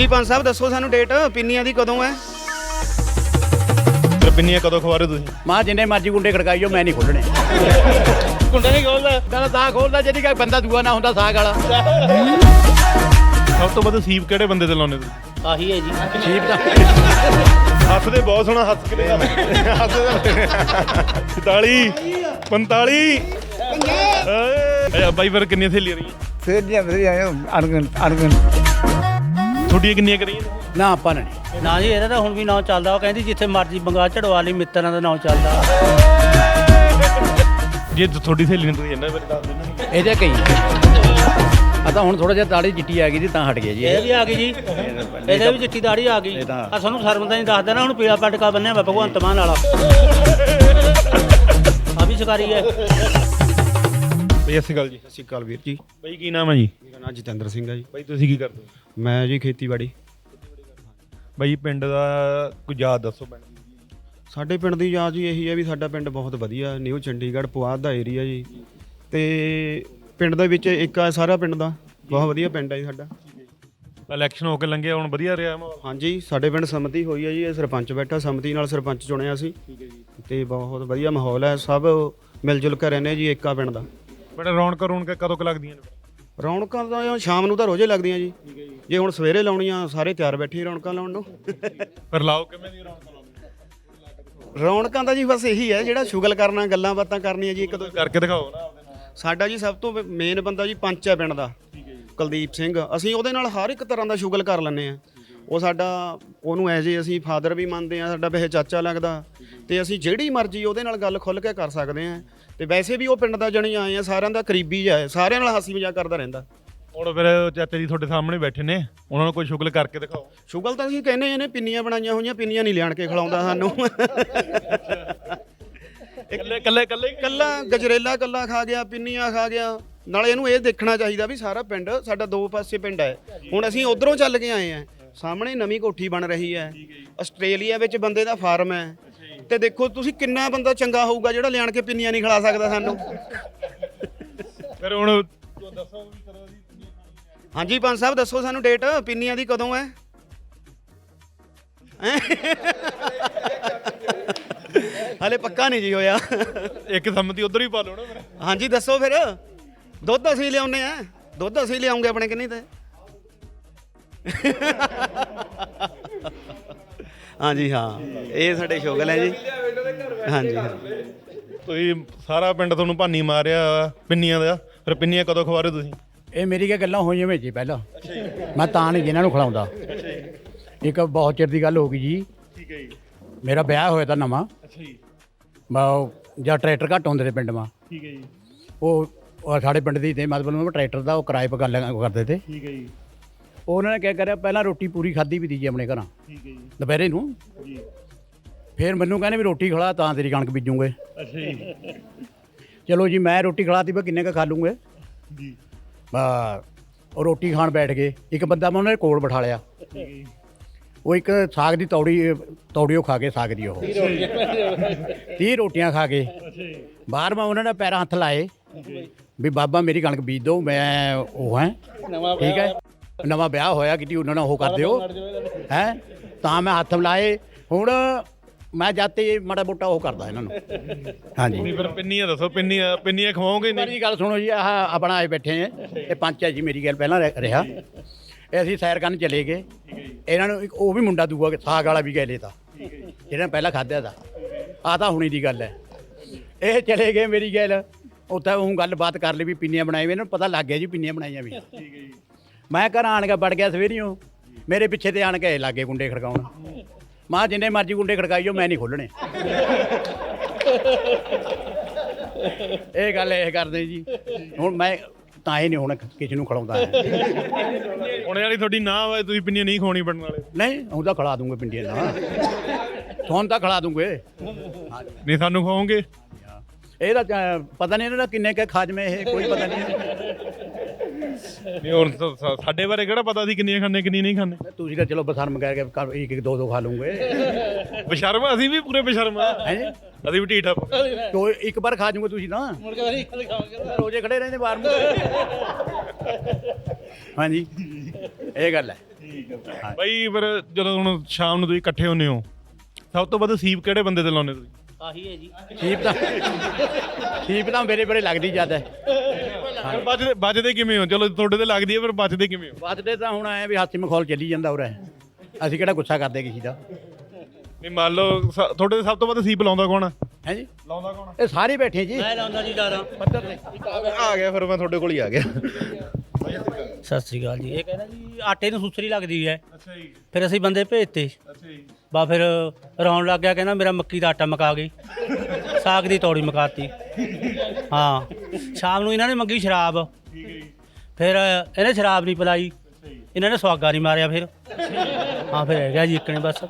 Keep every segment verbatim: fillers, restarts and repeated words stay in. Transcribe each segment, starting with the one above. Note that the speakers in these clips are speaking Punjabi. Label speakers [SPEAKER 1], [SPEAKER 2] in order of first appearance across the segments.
[SPEAKER 1] ਹਾਂਜੀ ਪੰਜ ਸਾਹਿਬ ਦੱਸੋ ਸਾਨੂੰ ਡੇਟ ਪਿੰਨੀਆਂ ਦੀ ਕਦੋਂ ਹੈ?
[SPEAKER 2] ਫਿਰ ਪਿੰਨੀਆਂ ਕਦੋਂ ਖਵਾ ਰਹੇ ਤੁਸੀਂ?
[SPEAKER 3] ਮਾਂ ਜਿੰਨੇ ਮਰਜ਼ੀ ਗੁੰਡੇ ਖੜਕਾਈਓ ਮੈਂ ਨਹੀਂ ਖੋਲਣੇ।
[SPEAKER 2] ਗੁੰਡਾ ਨਹੀਂ ਖੋਲਦਾ
[SPEAKER 3] ਕਹਿੰਦਾ ਸਾਗ ਖੋਲਦਾ ਜਿਹੜੀ ਕੋਈ ਬੰਦਾ ਦੂਆ ਨਾ ਹੁੰਦਾ ਸਾਗ ਵਾਲਾ।
[SPEAKER 2] ਸਭ ਤੋਂ ਵੱਧ ਸੀਪ ਕਿਹੜੇ ਬੰਦੇ ਤੇ ਲਾਉਨੇ ਤੁਸੀਂ?
[SPEAKER 4] ਆਹੀ ਹੈ ਜੀ
[SPEAKER 3] ਸੀਪ ਦਾ
[SPEAKER 2] ਹੱਸਦੇ ਬਹੁਤ ਸੋਹਣਾ ਹੱਸ ਕੇ ਹੱਸਦੇ ਚੁਤਾਲੀ ਪੰਤਾਲੀ ਏ ਬਾਈ ਫਿਰ ਕਿੰਨੀਆਂ ਸਹੇਲੀਆਂ ਰਹੀਆਂ?
[SPEAKER 5] ਫਿਰ ਦੀਆਂ ਵਧੀਆ ਅਣਗਣ ਅਣਗਣ
[SPEAKER 2] ਤੁਹਾਡੀਆਂ ਕਿੰਨੀਆਂ ਕਰੀਆਂ?
[SPEAKER 3] ਨਾ ਆਪਾਂ ਨੇ ਨਹੀਂ।
[SPEAKER 4] ਨਾ ਜੀ ਇਹਦਾ ਤਾਂ ਹੁਣ ਵੀ ਨਾਂ ਚੱਲਦਾ। ਉਹ ਕਹਿੰਦੀ ਜਿੱਥੇ ਮਰਜ਼ੀ ਬੰਗਾ ਚੜਵਾ ਲਈ ਮਿੱਤਰਾਂ ਦਾ ਨਾਂ ਚੱਲਦਾ।
[SPEAKER 2] ਜੇ ਤੁਹਾਡੀ ਸਹੇਲੀ ਨੇ ਤੁਸੀਂ ਇਹਨਾਂ ਬਾਰੇ ਦੱਸ ਦਿੰਦੇ
[SPEAKER 3] ਇਹਦੇ ਕਈ ਆ ਤਾਂ ਹੁਣ ਥੋੜਾ ਜਿਹਾ ਦਾੜੀ ਚਿੱਟੀ ਆ ਗਈ ਜੀ ਤਾਂ ਹਟ ਗਿਆ ਜੀ।
[SPEAKER 4] ਇਹ ਵੀ ਆ ਗਈ ਜੀ, ਇਹਦੇ ਵੀ ਚਿੱਟੀ ਦਾੜੀ ਆ ਗਈ। ਆ ਸਾਨੂੰ ਸ਼ਰਮ ਤਾਂ ਨਹੀਂ ਦੱਸਦਾ ਨਾ। ਹੁਣ ਪੀਲਾ ਪਟਕਾ ਬੰਨਿਆ ਵਾ ਭਗਵੰਤ ਮਾਨ ਵਾਲਾ। ਆ ਵੀ ਸ਼ਿਕਾਰੀ ਹੈ
[SPEAKER 2] ਬਈ ਅਸੀਂ ਗੱਲ ਜੀ।
[SPEAKER 6] ਸਤਿ ਸ਼੍ਰੀ ਅਕਾਲ ਵੀਰ ਜੀ।
[SPEAKER 2] ਬਈ ਕੀ ਨਾਮ ਹੈ ਜੀ?
[SPEAKER 6] ਮੇਰਾ ਨਾਮ ਜਤਿੰਦਰ ਸਿੰਘ ਹੈ ਜੀ।
[SPEAKER 2] ਬਈ ਤੁਸੀਂ ਕੀ ਕਰਦੇ ਹੋ?
[SPEAKER 6] ਮੈਂ ਜੀ ਖੇਤੀਬਾੜੀ।
[SPEAKER 2] ਬਈ ਪਿੰਡ ਦਾ ਕੋਈ ਯਾਦ ਦੱਸੋ ਪਿੰਡ ਦੀ।
[SPEAKER 6] ਸਾਡੇ ਪਿੰਡ ਦੀ ਯਾਦ ਜੀ ਇਹੀ ਹੈ ਵੀ ਸਾਡਾ ਪਿੰਡ ਬਹੁਤ ਵਧੀਆ ਨਿਊ ਚੰਡੀਗੜ੍ਹ ਪੁਆਧ ਦਾ ਏਰੀਆ ਜੀ। ਤੇ ਪਿੰਡ ਦੇ ਵਿੱਚ ਇੱਕ ਆ ਸਾਰਾ ਪਿੰਡ ਦਾ ਬਹੁਤ ਵਧੀਆ ਪਿੰਡ ਹੈ ਜੀ ਸਾਡਾ।
[SPEAKER 2] ਇਲੈਕਸ਼ਨ ਹੋ ਕੇ ਲੰਘਿਆ ਹੁਣ ਵਧੀਆ ਰਿਹਾ ਮਾਹੌਲ?
[SPEAKER 6] ਹਾਂਜੀ ਸਾਡੇ ਪਿੰਡ ਸੰਮਤੀ ਹੋਈ ਹੈ ਜੀ। ਇਹ ਸਰਪੰਚ ਬੈਠਾ ਸੰਮਤੀ ਨਾਲ ਸਰਪੰਚ ਚੁਣਿਆ ਸੀ ਤੇ ਬਹੁਤ ਵਧੀਆ ਮਾਹੌਲ ਹੈ। ਸਭ ਮਿਲ ਜੁਲ ਕੇ ਰਹਿੰਦੇ ਜੀ ਏਕਾ ਪਿੰਡ ਦਾ।
[SPEAKER 2] ਬੜਾ ਰੌਣਕ ਰੌਣਕ ਕਦੋਂ ਕੁ ਲੱਗਦੀਆਂ ਨੇ?
[SPEAKER 6] ਰੌਣਕਾਂ ਤਾਂ ਸ਼ਾਮ ਨੂੰ ਤਾਂ ਰੋਜ਼ੇ ਲੱਗਦੀਆਂ ਜੀ। ਜੇ ਹੁਣ ਸਵੇਰੇ ਲਾਉਣੀਆਂ ਸਾਰੇ ਤਿਆਰ ਬੈਠੇ ਰੌਣਕਾਂ ਲਾਉਣ ਨੂੰ।
[SPEAKER 2] ਫਿਰ ਲਾਓ ਕਿਵੇਂ ਦੀ ਰੌਣਕ ਲਾਉਂਦੇ?
[SPEAKER 6] ਰੌਣਕਾਂ ਦਾ ਜੀ ਬਸ ਇਹੀ ਹੈ ਜਿਹੜਾ ਸ਼ੁਗਲ ਕਰਨਾ ਗੱਲਾਂ ਬਾਤਾਂ ਕਰਨੀਆਂ ਜੀ ਇੱਕ ਦੋ।
[SPEAKER 2] ਕਰਕੇ ਦਿਖਾਓ ਨਾ ਆਪਦੇ ਨਾਲ।
[SPEAKER 6] ਸਾਡਾ ਜੀ ਸਭ ਤੋਂ ਮੇਨ ਬੰਦਾ ਜੀ ਪੰਚ ਹੈ ਪਿੰਡ ਦਾ ਕੁਲਦੀਪ ਸਿੰਘ। ਅਸੀਂ ਉਹਦੇ ਨਾਲ ਹਰ ਇੱਕ ਤਰ੍ਹਾਂ ਦਾ ਸ਼ੁਗਲ ਕਰ ਲੈਂਦੇ ਹਾਂ। ਉਹ ਸਾਡਾ ਉਹਨੂੰ ਐਜ ਏ ਅਸੀਂ ਫਾਦਰ ਵੀ ਮੰਨਦੇ ਹਾਂ, ਸਾਡਾ ਵੈਸੇ ਚਾਚਾ ਲੱਗਦਾ। ਤੇ ਅਸੀਂ ਜਿਹੜੀ ਮਰਜ਼ੀ ਉਹਦੇ ਨਾਲ ਗੱਲ ਖੁੱਲ੍ਹ ਕੇ ਕਰ ਸਕਦੇ ਹਾਂ। ਤੇ ਵੈਸੇ ਵੀ ਉਹ ਪਿੰਡ ਦਾ ਜਣੀ ਆਏ ਆ, ਸਾਰਿਆਂ ਦਾ ਕਰੀਬੀ ਜਿਹਾ ਹੈ, ਸਾਰਿਆਂ ਨਾਲ ਹਾਸੀ ਮਜ਼ਾਕ ਕਰਦਾ ਰਹਿੰਦਾ।
[SPEAKER 2] ਹੁਣ ਫਿਰ ਚਾਚਾ ਜੀ ਤੁਹਾਡੇ ਸਾਹਮਣੇ ਬੈਠੇ ਨੇ, ਉਹਨਾਂ ਨੂੰ ਕੋਈ ਸ਼ੁਗਲ ਕਰਕੇ ਦਿਖਾਓ।
[SPEAKER 6] ਸ਼ੁਗਲ ਤਾਂ ਅਸੀਂ ਕਹਿੰਦੇ ਇਹਨੇ ਪਿੰਨੀਆਂ ਬਣਾਈਆਂ ਹੋਈਆਂ, ਪਿੰਨੀਆਂ ਨਹੀਂ ਲਿਆਣ ਕੇ ਖਿਲਾਉਂਦਾ ਸਾਨੂੰ।
[SPEAKER 2] ਇਕੱਲੇ ਇਕੱਲੇ ਇਕੱਲੇ
[SPEAKER 6] ਕੱਲਾ ਗਜਰੇਲਾ ਕੱਲਾ ਖਾ ਗਿਆ, ਪਿੰਨੀਆਂ ਖਾ ਗਿਆ। ਨਾਲੇ ਇਹਨੂੰ ਇਹ ਦੇਖਣਾ ਚਾਹੀਦਾ ਵੀ ਸਾਰਾ ਪਿੰਡ ਸਾਡਾ ਦੋ ਪਾਸੇ ਪਿੰਡ ਹੈ। ਹੁਣ ਅਸੀਂ ਉਧਰੋਂ ਚੱਲ ਕੇ ਆਏ ਆ, ਸਾਹਮਣੇ ਨਵੀਂ ਕੋਠੀ ਬਣ ਰਹੀ ਹੈ। ਆਸਟ੍ਰੇਲੀਆ ਵਿੱਚ ਬੰਦੇ ਦਾ ਫਾਰਮ ਹੈ। ਤੇ ਦੇਖੋ ਤੁਸੀਂ ਕਿੰਨਾ ਬੰਦਾ ਚੰਗਾ ਹੋਊਗਾ ਜਿਹੜਾ ਲਿਆਣ ਕੇ ਪਿੰਨੀਆਂ ਨਹੀਂ ਖਿਲਾ ਸਕਦਾ ਸਾਨੂੰ।
[SPEAKER 2] ਫਿਰ ਹੁਣ ਦੱਸੋ ਵੀ ਕਰੋ ਜੀ।
[SPEAKER 1] ਹਾਂਜੀ ਪੰਜ ਸਾਹਿਬ ਦੱਸੋ ਸਾਨੂੰ ਡੇਟ ਪਿੰਨੀਆਂ ਦੀ ਕਦੋਂ ਹੈ?
[SPEAKER 6] ਹਲੇ ਪੱਕਾ ਨਹੀਂ ਜੀ ਹੋਇਆ।
[SPEAKER 2] ਇੱਕ ਸੰਮਤੀ ਉਧਰ ਹੀ ਪਾ ਲਓ ਨਾ ਫਿਰ।
[SPEAKER 6] ਹਾਂਜੀ ਦੱਸੋ ਫਿਰ। ਦੁੱਧ ਅਸੀਂ ਲਿਆਉਂਦੇ ਆ, ਦੁੱਧ ਅਸੀਂ ਲਿਆਉਂਗੇ ਆਪਣੇ ਕਿੰਨੀ ਤੇ। ਹਾਂਜੀ ਹਾਂ ਇਹ ਸਾਡੇ ਸ਼ੁਗਲ ਹੈ ਜੀ। ਹਾਂਜੀ ਹਾਂ
[SPEAKER 2] ਤੁਸੀਂ ਸਾਰਾ ਪਿੰਡ ਤੁਹਾਨੂੰ ਭਾਨੀ ਮਾਰਿਆ ਪਿੰਨੀਆਂ ਦਾ। ਫਿਰ ਪਿੰਨੀਆਂ ਕਦੋਂ ਖਵਾ ਰਹੇ ਤੁਸੀਂ?
[SPEAKER 3] ਇਹ ਮੇਰੀ ਕੀ ਗੱਲਾਂ ਹੋਈਆਂ ਵਿੱਚ ਹੀ ਪਹਿਲਾਂ। ਮੈਂ ਤਾਂ ਨਹੀਂ ਜਿਹਨਾਂ ਨੂੰ ਖਿਲਾਉਂਦਾ। ਇੱਕ ਬਹੁਤ ਚਿਰ ਦੀ ਗੱਲ ਹੋ ਗਈ ਜੀ।
[SPEAKER 2] ਠੀਕ ਹੈ ਜੀ।
[SPEAKER 3] ਮੇਰਾ ਵਿਆਹ ਹੋਇਆ ਤਾਂ ਨਵਾਂ।
[SPEAKER 2] ਅੱਛਾ ਜੀ।
[SPEAKER 3] ਮੈਂ ਜਾਂ ਟਰੈਕਟਰ ਘੱਟ ਹੁੰਦੇ ਨੇ ਪਿੰਡ ਮਾ।
[SPEAKER 2] ਠੀਕ ਹੈ ਜੀ।
[SPEAKER 3] ਉਹ ਉਹ ਸਾਡੇ ਪਿੰਡ ਦੀ ਤੇ ਮਤਲਬ ਟਰੈਕਟਰ ਦਾ ਉਹ ਕਿਰਾਏ ਪਰ ਗੱਲ ਕਰਦੇ ਤੇ।
[SPEAKER 2] ਠੀਕ ਹੈ ਜੀ।
[SPEAKER 3] ਉਹਨਾਂ ਨੇ ਕਿਆ ਕਰਿਆ ਪਹਿਲਾਂ ਰੋਟੀ ਪੂਰੀ ਖਾਧੀ ਵੀ ਦੀ ਜੀ ਆਪਣੇ ਘਰਾਂ
[SPEAKER 2] ਠੀਕ ਹੈ ਜੀ।
[SPEAKER 3] ਦੁਪਹਿਰੇ ਨੂੰ।
[SPEAKER 2] ਜੀ।
[SPEAKER 3] ਫਿਰ ਮੈਨੂੰ ਕਹਿੰਦੇ ਵੀ ਰੋਟੀ ਖਿਲਾ ਤਾਂ ਤੇਰੀ ਕਣਕ ਬੀਜੂਗੇ।
[SPEAKER 2] ਅੱਛਾ ਜੀ।
[SPEAKER 3] ਚਲੋ ਜੀ ਮੈਂ ਰੋਟੀ ਖਿਲਾਤੀ ਵੀ ਕਿੰਨੇ ਕੁ ਖਾ ਲੂੰਗੇ
[SPEAKER 2] ਜੀ।
[SPEAKER 3] ਬਾ ਉਹ ਰੋਟੀ ਖਾਣ ਬੈਠ ਗਏ। ਇੱਕ ਬੰਦਾ ਮੈਂ ਉਹਨਾਂ ਦੇ ਕੋਲ ਬਿਠਾ ਲਿਆ।
[SPEAKER 2] ਠੀਕ ਹੈ ਜੀ।
[SPEAKER 3] ਉਹ ਇੱਕ ਸਾਗ ਦੀ ਤੌੜੀ ਤੌੜੀ ਉਹ ਖਾ ਕੇ ਸਾਗ ਦੀ ਉਹ ਤੀਹ ਰੋਟੀਆਂ ਖਾ ਕੇ ਬਾਹਰ ਮੈਂ ਉਹਨਾਂ ਨੇ ਪੈਰਾਂ ਹੱਥ ਲਾਏ ਵੀ ਬਾਬਾ ਮੇਰੀ ਕਣਕ ਬੀਜ ਦਿਓ। ਮੈਂ ਉਹ ਹੈ ਠੀਕ ਹੈ ਨਵਾਂ ਵਿਆਹ ਹੋਇਆ ਕਿਤੇ ਉਹਨਾਂ ਨਾਲ ਉਹ ਕਰ ਦਿਓ ਹੈ ਤਾਂ ਮੈਂ ਹੱਥ ਮਿਲਾਏ। ਹੁਣ ਮੈਂ ਜਾਤੇ ਮਾੜਾ ਮੋਟਾ ਉਹ ਕਰਦਾ ਇਹਨਾਂ ਨੂੰ। ਹਾਂਜੀ
[SPEAKER 2] ਨਹੀਂ ਫਿਰ ਪਿੰਨੀਆਂ ਦੱਸੋ। ਪਿੰਨੀਆਂ ਪਿੰਨੀਆਂ ਖਵਾਓਗੇ ਨਹੀਂ?
[SPEAKER 3] ਮੇਰੀ ਗੱਲ ਸੁਣੋ ਜੀ। ਆਹ ਆਪਣਾ ਆਏ ਬੈਠੇ ਆ ਇਹ ਪੰਚ ਹੈ ਜੀ। ਮੇਰੀ ਗੱਲ ਪਹਿਲਾਂ ਰਹਿ- ਰਿਹਾ ਇਹ ਅਸੀਂ ਸੈਰ ਕਰਨ ਚਲੇ ਗਏ। ਇਹਨਾਂ ਨੂੰ ਇੱਕ ਉਹ ਵੀ ਮੁੰਡਾ ਦੂਆ ਸਾਗ ਵਾਲਾ ਵੀ ਗਏ ਲੈ ਤਾ ਜਿਹੜਾ ਪਹਿਲਾਂ ਖਾਧਿਆ ਤਾ। ਆਹ ਤਾਂ ਹੁਣੀ ਦੀ ਗੱਲ ਹੈ। ਇਹ ਚਲੇ ਗਏ ਮੇਰੀ ਗੱਲ ਉੱਥੇ ਉਹ ਗੱਲਬਾਤ ਕਰ ਲਈ ਵੀ ਪਿੰਨੀਆਂ ਬਣਾਈ ਵੀ। ਇਹਨਾਂ ਨੂੰ ਪਤਾ ਲੱਗ ਗਿਆ ਜੀ ਪਿੰਨੀਆਂ ਬਣਾਈਆਂ ਵੀ। ਮੈਂ ਘਰ ਆਣ ਕੇ ਵੜ ਗਿਆ ਸਵੇਰੀਓ। ਮੇਰੇ ਪਿੱਛੇ ਤੇ ਆਣ ਕੇ ਲਾਗੇ ਗੁੰਡੇ ਖੜਕਾਉਣ। ਮਾਂ ਜਿੰਨੇ ਮਰਜ਼ੀ ਗੁੰਡੇ ਖੜਕਾਈਓ ਮੈਂ ਨਹੀਂ ਖੋਲਣੇ। ਇਹ ਗੱਲ ਇਹ ਕਰਦੇ ਜੀ। ਹੁਣ ਮੈਂ ਤਾਂ ਹੀ ਨਹੀਂ ਹੁਣ ਕਿਸੇ ਨੂੰ ਖਿਲਾਉਂਦਾ ਹੈ।
[SPEAKER 2] ਹੁਣ ਵਾਲੀ ਤੁਹਾਡੀ ਨਾ ਹੋਵੇ ਤੁਸੀਂ ਪਿੰਨੀਆਂ ਨਹੀਂ ਖਵਾਉਣੀ ਬਣਨ ਵਾਲੇ?
[SPEAKER 3] ਨਹੀਂ ਹੁਣ ਤਾਂ ਖਿਲਾ ਦੂੰਗੇ ਪਿੰਡੀਆਂ ਦਾ। ਤੁਹਾਨੂੰ ਤਾਂ ਖਿਲਾ ਦੂੰਗੇ।
[SPEAKER 2] ਨਹੀਂ ਸਾਨੂੰ ਖਵਾਓਗੇ?
[SPEAKER 3] ਇਹਦਾ ਚ- ਪਤਾ ਨਹੀਂ ਇਹਨਾਂ ਦਾ ਕਿੰਨੇ ਕੁ ਖਾਜਮੇ ਇਹ ਕੋਈ ਪਤਾ ਨਹੀਂ।
[SPEAKER 2] ਨਹੀਂ ਹੁਣ ਤਾਂ ਸਾ- ਸਾਡੇ ਬਾਰੇ ਕਿਹੜਾ ਪਤਾ ਸੀ ਕਿੰਨੀਆਂ ਖਾਣੇ ਕਿੰਨੀਆਂ ਨਹੀਂ ਖਾਣੇ?
[SPEAKER 3] ਤੁਸੀਂ ਤਾਂ ਚਲੋ ਬਸਰਮ ਕਹਿ ਕੇ ਘਰ ਇੱਕ ਇੱਕ ਦੋ ਦੋ ਖਾ ਲੂੰਗੇ।
[SPEAKER 2] ਬਸ਼ਰਮ ਅਸੀਂ ਵੀ ਪੂਰੇ ਬਸ਼ਰਮ ਆ।
[SPEAKER 3] ਹੈ
[SPEAKER 2] ਅਸੀਂ ਵੀ ਢੀਠ
[SPEAKER 3] ਤੋ ਇੱਕ ਵਾਰ ਖਾ ਜੂਗੇ ਤੁਸੀਂ ਤਾਂ ਰੋਜ਼ੇ ਖੜੇ ਰਹਿੰਦੇ ਬਾਹਰ ਨੂੰ। ਹਾਂਜੀ ਇਹ ਗੱਲ ਹੈ।
[SPEAKER 2] ਬਾਈ ਫਿਰ ਜਦੋਂ ਹੁਣ ਸ਼ਾਮ ਨੂੰ ਤੁਸੀਂ ਇਕੱਠੇ ਹੁੰਦੇ ਹੋ ਸਭ ਤੋਂ ਵੱਧ ਸੀਪ ਕਿਹੜੇ ਬੰਦੇ ਤੇ ਲਾਉਂਦੇ ਤੁਸੀਂ?
[SPEAKER 4] ਆਹੀ ਹੈ ਜੀ।
[SPEAKER 3] ਸੀਪ ਤਾਂ ਸੀਪ ਤਾਂ ਮੇਰੇ ਬਰੇ ਲੱਗਦੀ ਜ਼ਿਆਦਾ
[SPEAKER 2] ਫਿਰ ਬਚਦੇ ਬਚਦੇ ਕਿਵੇਂ ਹੋ? ਚਲੋ ਤੁਹਾਡੇ ਤੇ ਲੱਗਦੀ ਹੈ ਪਰ ਬਚਦੇ ਕਿਵੇਂ ਹੋ?
[SPEAKER 3] ਵੱਧਦੇ ਤਾਂ ਹੁਣ ਆਏ ਵੀ ਹਾਥੀ ਮਖੌਲ ਚੱਲੀ ਜਾਂਦਾ ਉਰੇ ਅਸੀਂ ਕਿਹੜਾ ਗੁੱਸਾ ਕਰਦੇ ਕਿਸੇ ਦਾ
[SPEAKER 2] ਨਹੀਂ ਮੰਨ ਲਓ ਸ- ਤੁਹਾਡੇ ਤੇ ਸਭ ਤੋਂ ਵੱਧ ਸੀਪ ਲਾਉਂਦਾ ਕੌਣ ਆ?
[SPEAKER 3] ਹੈ ਜੀ
[SPEAKER 2] ਲਾਉਂਦਾ ਕੌਣ
[SPEAKER 3] ਇਹ ਸਾਰੇ ਬੈਠੇ ਜੀ
[SPEAKER 4] ਮੈਂ ਲਾਉਂਦਾ ਜੀ ਜ਼ਿਆਦਾ।
[SPEAKER 3] ਪੱਧਰ ਤੇ
[SPEAKER 2] ਆ ਗਿਆ ਫਿਰ ਮੈਂ ਤੁਹਾਡੇ ਕੋਲ ਹੀ ਆ ਗਿਆ।
[SPEAKER 4] ਸਤਿ ਸ੍ਰੀ ਅਕਾਲ ਜੀ। ਇਹ ਕਹਿੰਦਾ ਜੀ ਆਟੇ ਨੂੰ ਸੁਸਰੀ ਲੱਗਦੀ ਹੈ।
[SPEAKER 2] ਅੱਛਾ ਜੀ
[SPEAKER 4] ਫਿਰ ਅਸੀਂ ਬੰਦੇ ਭੇਜਤੇ।
[SPEAKER 2] ਅੱਛਾ ਜੀ
[SPEAKER 4] ਬਾ ਫਿਰ ਰੌਣ ਲੱਗ ਗਿਆ, ਕਹਿੰਦਾ ਮੇਰਾ ਮੱਕੀ ਦਾ ਆਟਾ ਮਕਾ ਗਈ, ਸਾਗ ਦੀ ਤੌੜੀ ਮਕਾਤੀ। ਹਾਂ ਸ਼ਾਮ ਨੂੰ ਇਹਨਾਂ ਨੇ ਮੰਗੀ ਸ਼ਰਾਬ, ਫਿਰ ਇਹਨੇ ਸ਼ਰਾਬ ਨਹੀਂ ਪਿਲਾਈ, ਇਹਨਾਂ ਨੇ ਸੁਹਾਗਾ ਨਹੀਂ ਮਾਰਿਆ। ਫਿਰ ਹਾਂ ਫਿਰ ਹੈਗਾ ਜੀ ਇੱਕ ਨੇ ਬਸ।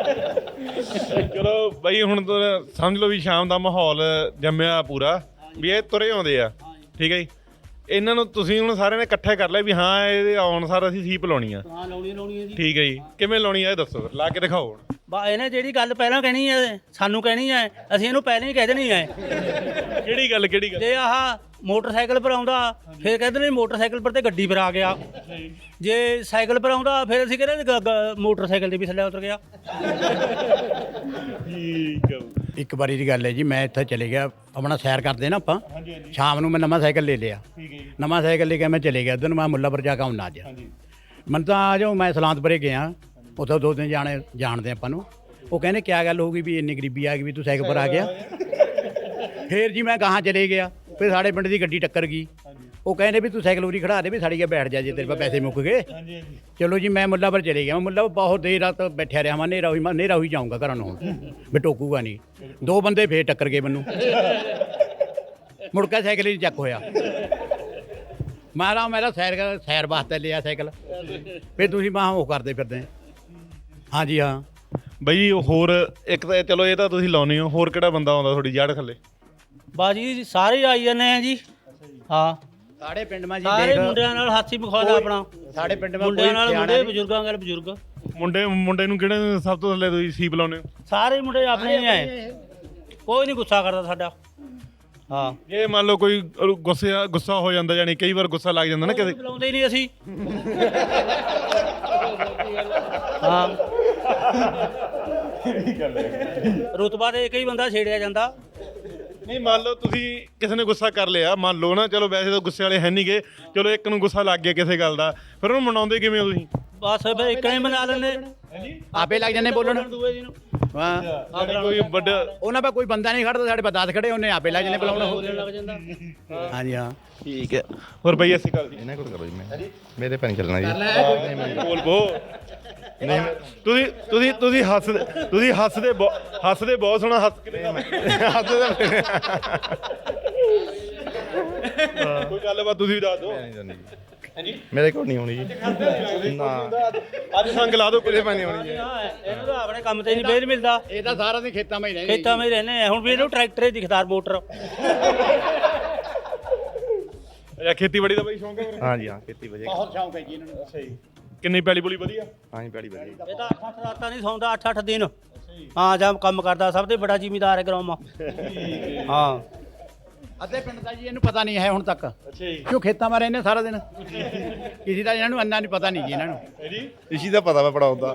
[SPEAKER 2] ਚਲੋ ਬਾਈ ਹੁਣ ਤਾਂ ਸਮਝ ਲਓ ਵੀ ਸ਼ਾਮ ਦਾ ਮਾਹੌਲ ਜੰਮਿਆ ਪੂਰਾ ਵੀ ਇਹ ਤੁਰੇ ਆਉਂਦੇ ਆ, ਠੀਕ ਹੈ ਜੀ। ਇਹਨਾਂ ਨੂੰ ਤੁਸੀਂ ਹੁਣ ਸਾਰਿਆਂ ਨੇ ਇਕੱਠੇ ਕਰ ਲਿਆ ਵੀ ਹਾਂ ਇਹਦੇ ਆਉਣ ਸਾਰ ਅਸੀਂ ਸੀਪ ਲਾਉਣੀ ਆ।
[SPEAKER 4] ਹਾਂ ਲਾਉਣੀ ਲਾਉਣੀ ਹੈ ਜੀ।
[SPEAKER 2] ਠੀਕ ਹੈ ਜੀ, ਕਿਵੇਂ ਲਾਉਣੀ ਆ ਇਹ ਦੱਸੋ ਫਿਰ, ਲਾ ਕੇ ਦਿਖਾਓ ਹੁਣ।
[SPEAKER 4] ਬਾ ਇਹਨੇ ਜਿਹੜੀ ਗੱਲ ਪਹਿਲਾਂ ਕਹਿਣੀ ਹੈ ਸਾਨੂੰ ਕਹਿਣੀ ਹੈ, ਅਸੀਂ ਇਹਨੂੰ ਪਹਿਲਾਂ ਹੀ ਕਹਿ ਦੇਣੀ ਹੈ।
[SPEAKER 2] ਕਿਹੜੀ ਗੱਲ ਕਿਹੜੀ ਗੱਲ?
[SPEAKER 4] ਜੇ ਆਹ ਮੋਟਰਸਾਈਕਲ ਪਰ ਆਉਂਦਾ ਫਿਰ ਕਹਿੰਦੇ ਨੇ ਮੋਟਰਸਾਈਕਲ ਪਰ ਤੇ ਗੱਡੀ ਪਰ ਆ ਗਿਆ। ਜੇ ਸਾਈਕਲ ਪਰ ਆਉਂਦਾ ਫਿਰ ਅਸੀਂ ਕਹਿੰਦੇ ਗ- ਗ- ਮੋਟਰਸਾਈਕਲ ਦੇ ਵੀ ਥੱਲੇ ਉਤਰ ਗਿਆ।
[SPEAKER 2] ਠੀਕ ਹੈ।
[SPEAKER 3] ਇੱਕ ਵਾਰੀ ਦੀ ਗੱਲ ਹੈ ਜੀ, ਮੈਂ ਇੱਥੇ ਚਲੇ ਗਿਆ ਆਪਣਾ ਸੈਰ ਕਰਦੇ ਨਾ ਆਪਾਂ, ਸ਼ਾਮ ਨੂੰ ਮੈਂ ਨਵਾਂ ਸਾਈਕਲ ਲੈ ਲਿਆ। ਨਵਾਂ ਸਾਈਕਲ ਲੈ ਕੇ ਮੈਂ ਚਲੇ ਗਿਆ ਉਧਰ ਨੂੰ, ਮੈਂ ਮੁੱਲਾਪੁਰ ਜਾ ਕੇ ਆਉਣਾ ਅੱਜ। ਮੈਨੂੰ ਤਾਂ ਆ ਜਾਓ, ਮੈਂ ਸਲਾਂਤਪੁਰੇ ਗਿਆ, ਉੱਥੋਂ ਦੋ ਦਿਨ ਜਾਣੇ ਜਾਣਦੇ ਆਪਾਂ ਨੂੰ। ਉਹ ਕਹਿੰਦੇ ਕਿਆ ਗੱਲ ਹੋ ਗਈ ਵੀ ਇੰਨੀ ਗਰੀਬੀ ਆ ਗਈ ਵੀ ਤੂੰ ਸਾਈਕਲ ਪਰ ਆ ਗਿਆ। ਫੇਰ ਜੀ ਮੈਂ ਗਾਹਾਂ ਚਲੇ ਗਿਆ, ਫਿਰ ਸਾਡੇ ਪਿੰਡ ਦੀ ਗੱਡੀ ਟੱਕਰ ਗਈ। ਉਹ ਕਹਿੰਦੇ ਵੀ ਤੂੰ ਸਾਈਕਲ ਉਰੀ ਖੜਾ ਦੇ ਵੀ ਸਾੜੀ ਗਿਆ ਬੈਠ ਜਾ ਜੇ ਤੇਰੇ ਕੋਲ ਪੈਸੇ ਮੁੱਕ ਗਏ। ਚਲੋ ਜੀ ਮੈਂ ਮੁੱਲਾਪੁਰ ਚਲੇ ਗਿਆ। ਮੈਂ ਮੁੱਲਾਪੁਰ ਬਹੁਤ ਦੇਰ ਰਾਤ ਬੈਠਿਆ ਰਿਹਾ। ਮੈਂ ਹਨੇਰਾ ਹੋਈ ਮੈਂ ਹਨੇਰਾ ਹੋਈ ਜਾਊਂਗਾ ਘਰਾਂ ਨੂੰ ਹੁਣ ਵੀ ਟੋਕੂਗਾ ਨਹੀਂ। ਦੋ ਬੰਦੇ ਫੇਰ ਟੱਕਰ ਗਏ ਮੈਨੂੰ, ਮੁੜ ਕੇ ਸਾਈਕਲ ਹੀ ਚੱਕ ਹੋਇਆ। ਮਾਰਾ ਮੇਰਾ ਸੈਰ ਕਰ ਸੈਰ ਵਾਸਤੇ ਲਿਆ ਸਾਈਕਲ, ਫਿਰ ਤੁਸੀਂ ਮਾਂ ਉਹ ਕਰਦੇ ਫਿਰਦੇ। ਹਾਂਜੀ ਹਾਂ
[SPEAKER 2] ਬਈ ਹੋਰ ਇੱਕ ਤਾਂ ਚਲੋ ਇਹ ਤਾਂ ਤੁਸੀਂ ਲਾਉਨੇ ਹੋ, ਹੋਰ ਕਿਹੜਾ ਬੰਦਾ ਆਉਂਦਾ ਤੁਹਾਡੀ ਜੜ ਥੱਲੇ?
[SPEAKER 4] ਬਾਜੀ ਸਾਰੇ ਆਈ ਜਾਂਦੇ ਆ ਜੀ। ਹਾਂ
[SPEAKER 3] ਸਾਡੇ ਪਿੰਡ ਮਾ ਜੀ
[SPEAKER 4] ਸਾਰੇ
[SPEAKER 3] ਦੇਖ,
[SPEAKER 4] ਮੁੰਡਿਆਂ ਨਾਲ ਹਾਥੀ ਮਖੌਲ ਆਪਣਾ।
[SPEAKER 3] ਸਾਡੇ ਪਿੰਡ ਮਾ
[SPEAKER 4] ਮੁੰਡਿਆਂ
[SPEAKER 3] ਕੋਈ
[SPEAKER 4] ਨਾਲ
[SPEAKER 3] ਸਿਆਣਾ
[SPEAKER 4] ਮੁੰਡੇ,
[SPEAKER 3] ਨਹੀਂ।
[SPEAKER 4] ਬਜ਼ੁਰਗਾਂ ਨਾਲ ਬਜ਼ੁਰਗ,
[SPEAKER 2] ਮੁੰਡੇ ਮੁੰਡੇ ਨੂੰ ਕਿਹੜੇ ਸਭ ਤੋਂ ਥੱਲੇ ਤੁਸੀਂ ਸੀਪ ਲਾਉਨੇ ਹੋ?
[SPEAKER 4] ਸਾਰੇ ਮੁੰਡੇ ਆਪਣੇ ਹੀ ਆਏ, ਕੋਈ ਨਹੀਂ ਗੁੱਸਾ ਕਰਦਾ ਸਾਡਾ। ਹਾਂ
[SPEAKER 2] ਜੇ ਮੰਨ ਲਓ ਕੋਈ ਗੁੱਸੇ ਗੁੱਸਾ ਹੋ ਜਾਂਦਾ, ਜਾਨੀ ਕਈ ਵਾਰ ਗੁੱਸਾ ਲੱਗ ਜਾਂਦਾ ਨਾ ਕਿਸੇ।
[SPEAKER 4] ਬੁਲਾਉਂਦੇ ਹੀ ਨਹੀਂ ਅਸੀਂ। ਹਾਂ ਰੁਤਬਾ ਦੇ ਕਈ ਬੰਦਾ ਛੇੜਿਆ ਜਾਂਦਾ।
[SPEAKER 2] ਨਹੀਂ ਮੰਨ ਲਓ ਤੁਸੀਂ ਕਿਸੇ ਨੇ ਗੁੱਸਾ ਕਰ ਲਿਆ, ਮੰਨ ਲਓ ਨਾ, ਚਲੋ ਵੈਸੇ ਤਾਂ ਗੁੱਸੇ ਵਾਲੇ ਹੈ ਨਹੀਂ ਗੇ, ਚਲੋ ਇੱਕ ਨੂੰ ਗੁੱਸਾ ਲੱਗ ਗਿਆ ਕਿਸੇ ਗੱਲ ਦਾ, ਫਿਰ ਉਹਨੂੰ ਮਨਾਉਂਦੇ ਕਿਵੇਂ ਹੋ ਤੁਸੀਂ?
[SPEAKER 4] ਬਸ ਫਿਰ ਇੱਕ ਨੇ ਬਣਾ ਲੈਂਦੇ
[SPEAKER 3] ਆਪੇ ਲੱਗ ਜਾਂਦੇ ਬੋਲਣ।
[SPEAKER 4] ਦੂਏ ਜੀ ਨੂੰ।
[SPEAKER 3] ਹਾਂ
[SPEAKER 2] ਯਾਨੀ ਕੋਈ ਵੱਡਾ
[SPEAKER 3] ਉਹਨਾਂ ਪਾ ਕੋਈ ਬੰਦਾ ਨਹੀਂ ਖੜਦਾ, ਸਾਡੇ ਪਾ ਦਸ ਖੜੇ, ਉਹਨੇ ਆਪੇ ਲੱਗ ਜਾਂਦੇ ਬੁਲਾਉਣਾ।
[SPEAKER 4] ਬੋਲਣ ਲੱਗ ਜਾਂਦਾ।
[SPEAKER 3] ਹਾਂਜੀ ਹਾਂ
[SPEAKER 2] ਠੀਕ ਹੈ। ਹੋਰ ਬਈ ਅਸੀਂ ਗੱਲ ਜੀ
[SPEAKER 7] ਇਹਨਾਂ ਕੋਲ ਕਰੋ ਜੀ, ਮੈਂ ਮੇਰੇ ਪੈ ਨਹੀਂ ਚੱਲਣਾ ਜੀ।
[SPEAKER 2] ਬੋਲ ਬੋ ਨਹੀਂ ਤੁਸੀਂ ਤੁਸੀਂ ਤੁਸੀਂ ਹੱਸਦੇ ਤੁਸੀਂ ਹੱਸਦੇ ਬਹੁ- ਹੱਸਦੇ ਬਹੁਤ ਸੋਹਣਾ ਹੱਸ ਕੇ ਕੋਈ ਗੱਲਬਾਤ ਤੁਸੀਂ ਵੀ ਦੱਸ ਦਿਓ।
[SPEAKER 7] ਮੇਰੇ ਕੋਲ ਨਹੀਂ ਹੋਣੀ ਜੀ ਨਾ,
[SPEAKER 2] ਅੱਜ ਸੰਗ ਲਾ ਦਿਓ ਕਿਤੇ
[SPEAKER 7] ਨਹੀਂ ਹੋਣੀ ਜੀ।
[SPEAKER 4] ਹਾਂ, ਇਹਨੂੰ ਤਾਂ ਆਪਣੇ ਕੰਮ ਤੇ ਨਹੀਂ ਬੇਲ ਮਿਲਦਾ,
[SPEAKER 3] ਇਹ ਤਾਂ ਸਾਰਾ ਦਿਨ ਖੇਤਾਂ ਮਾ ਹੀ ਰਹਿੰਦੇ।
[SPEAKER 4] ਖੇਤਾਂ ਵਿੱਚ ਰਹਿੰਦੇ ਆ। ਹੁਣ ਵੀ ਇਹਨੂੰ ਟਰੈਕਟਰ ਹੀ ਦਿਖਦਾਰ ਮੋਟਰ।
[SPEAKER 2] ਅੱਛਾ ਖੇਤੀਬਾੜੀ ਦਾ ਬਈ ਸ਼ੌਂਕ ਹੈ ਫਿਰ?
[SPEAKER 7] ਹਾਂ ਜੀ ਹਾਂ, ਖੇਤੀ ਵਜੇ
[SPEAKER 3] ਬਹੁਤ ਸ਼ੌਂਕ ਹੈ ਜੀ ਇਹਨਾਂ ਨੂੰ।
[SPEAKER 2] ਅੱਛਾ ਜੀ, ਕਿੰਨੀ ਪੈਲੀ ਪੁਲੀ ਵਧੀਆ?
[SPEAKER 7] ਹਾਂ ਜੀ, ਪੈੜੀ ਵਧੀਆ।
[SPEAKER 4] ਇਹ ਤਾਂ ਅੱਠ ਅੱਠ ਰਾਤਾਂ ਨਹੀਂ ਸੌਂਦਾ, ਅੱਠ ਅੱਠ ਦਿਨ। ਹਾਂ ਜਾਂ ਕੰਮ ਕਰਦਾ, ਸਭ ਤੋਂ ਬੜਾ ਜ਼ਿਮੀਦਾਰ ਹੈ ਗਰਾਮਾ। ਹਾਂ
[SPEAKER 3] ਅੱਧੇ ਪਿੰਡ ਦਾ ਜੀ ਇਹਨੂੰ ਪਤਾ ਨਹੀਂ ਹੈ ਹੁਣ ਤੱਕ,
[SPEAKER 2] ਅੱਛਾ ਜੀ
[SPEAKER 3] ਕਿਉਂ ਖੇਤਾਂ ਮਾ ਰਹਿੰਦੇ ਸਾਰਾ ਦਿਨ। ਕਿਸੇ ਦਾ ਇਹਨਾਂ ਨੂੰ ਅੰਨਾ ਨਹੀਂ ਪਤਾ ਨਹੀਂ ਜੀ ਇਹਨਾਂ ਨੂੰ।
[SPEAKER 2] ਜੀ
[SPEAKER 7] ਇਸੀ ਦਾ ਪਤਾ ਵਾ ਪੜਾਉਂਦਾ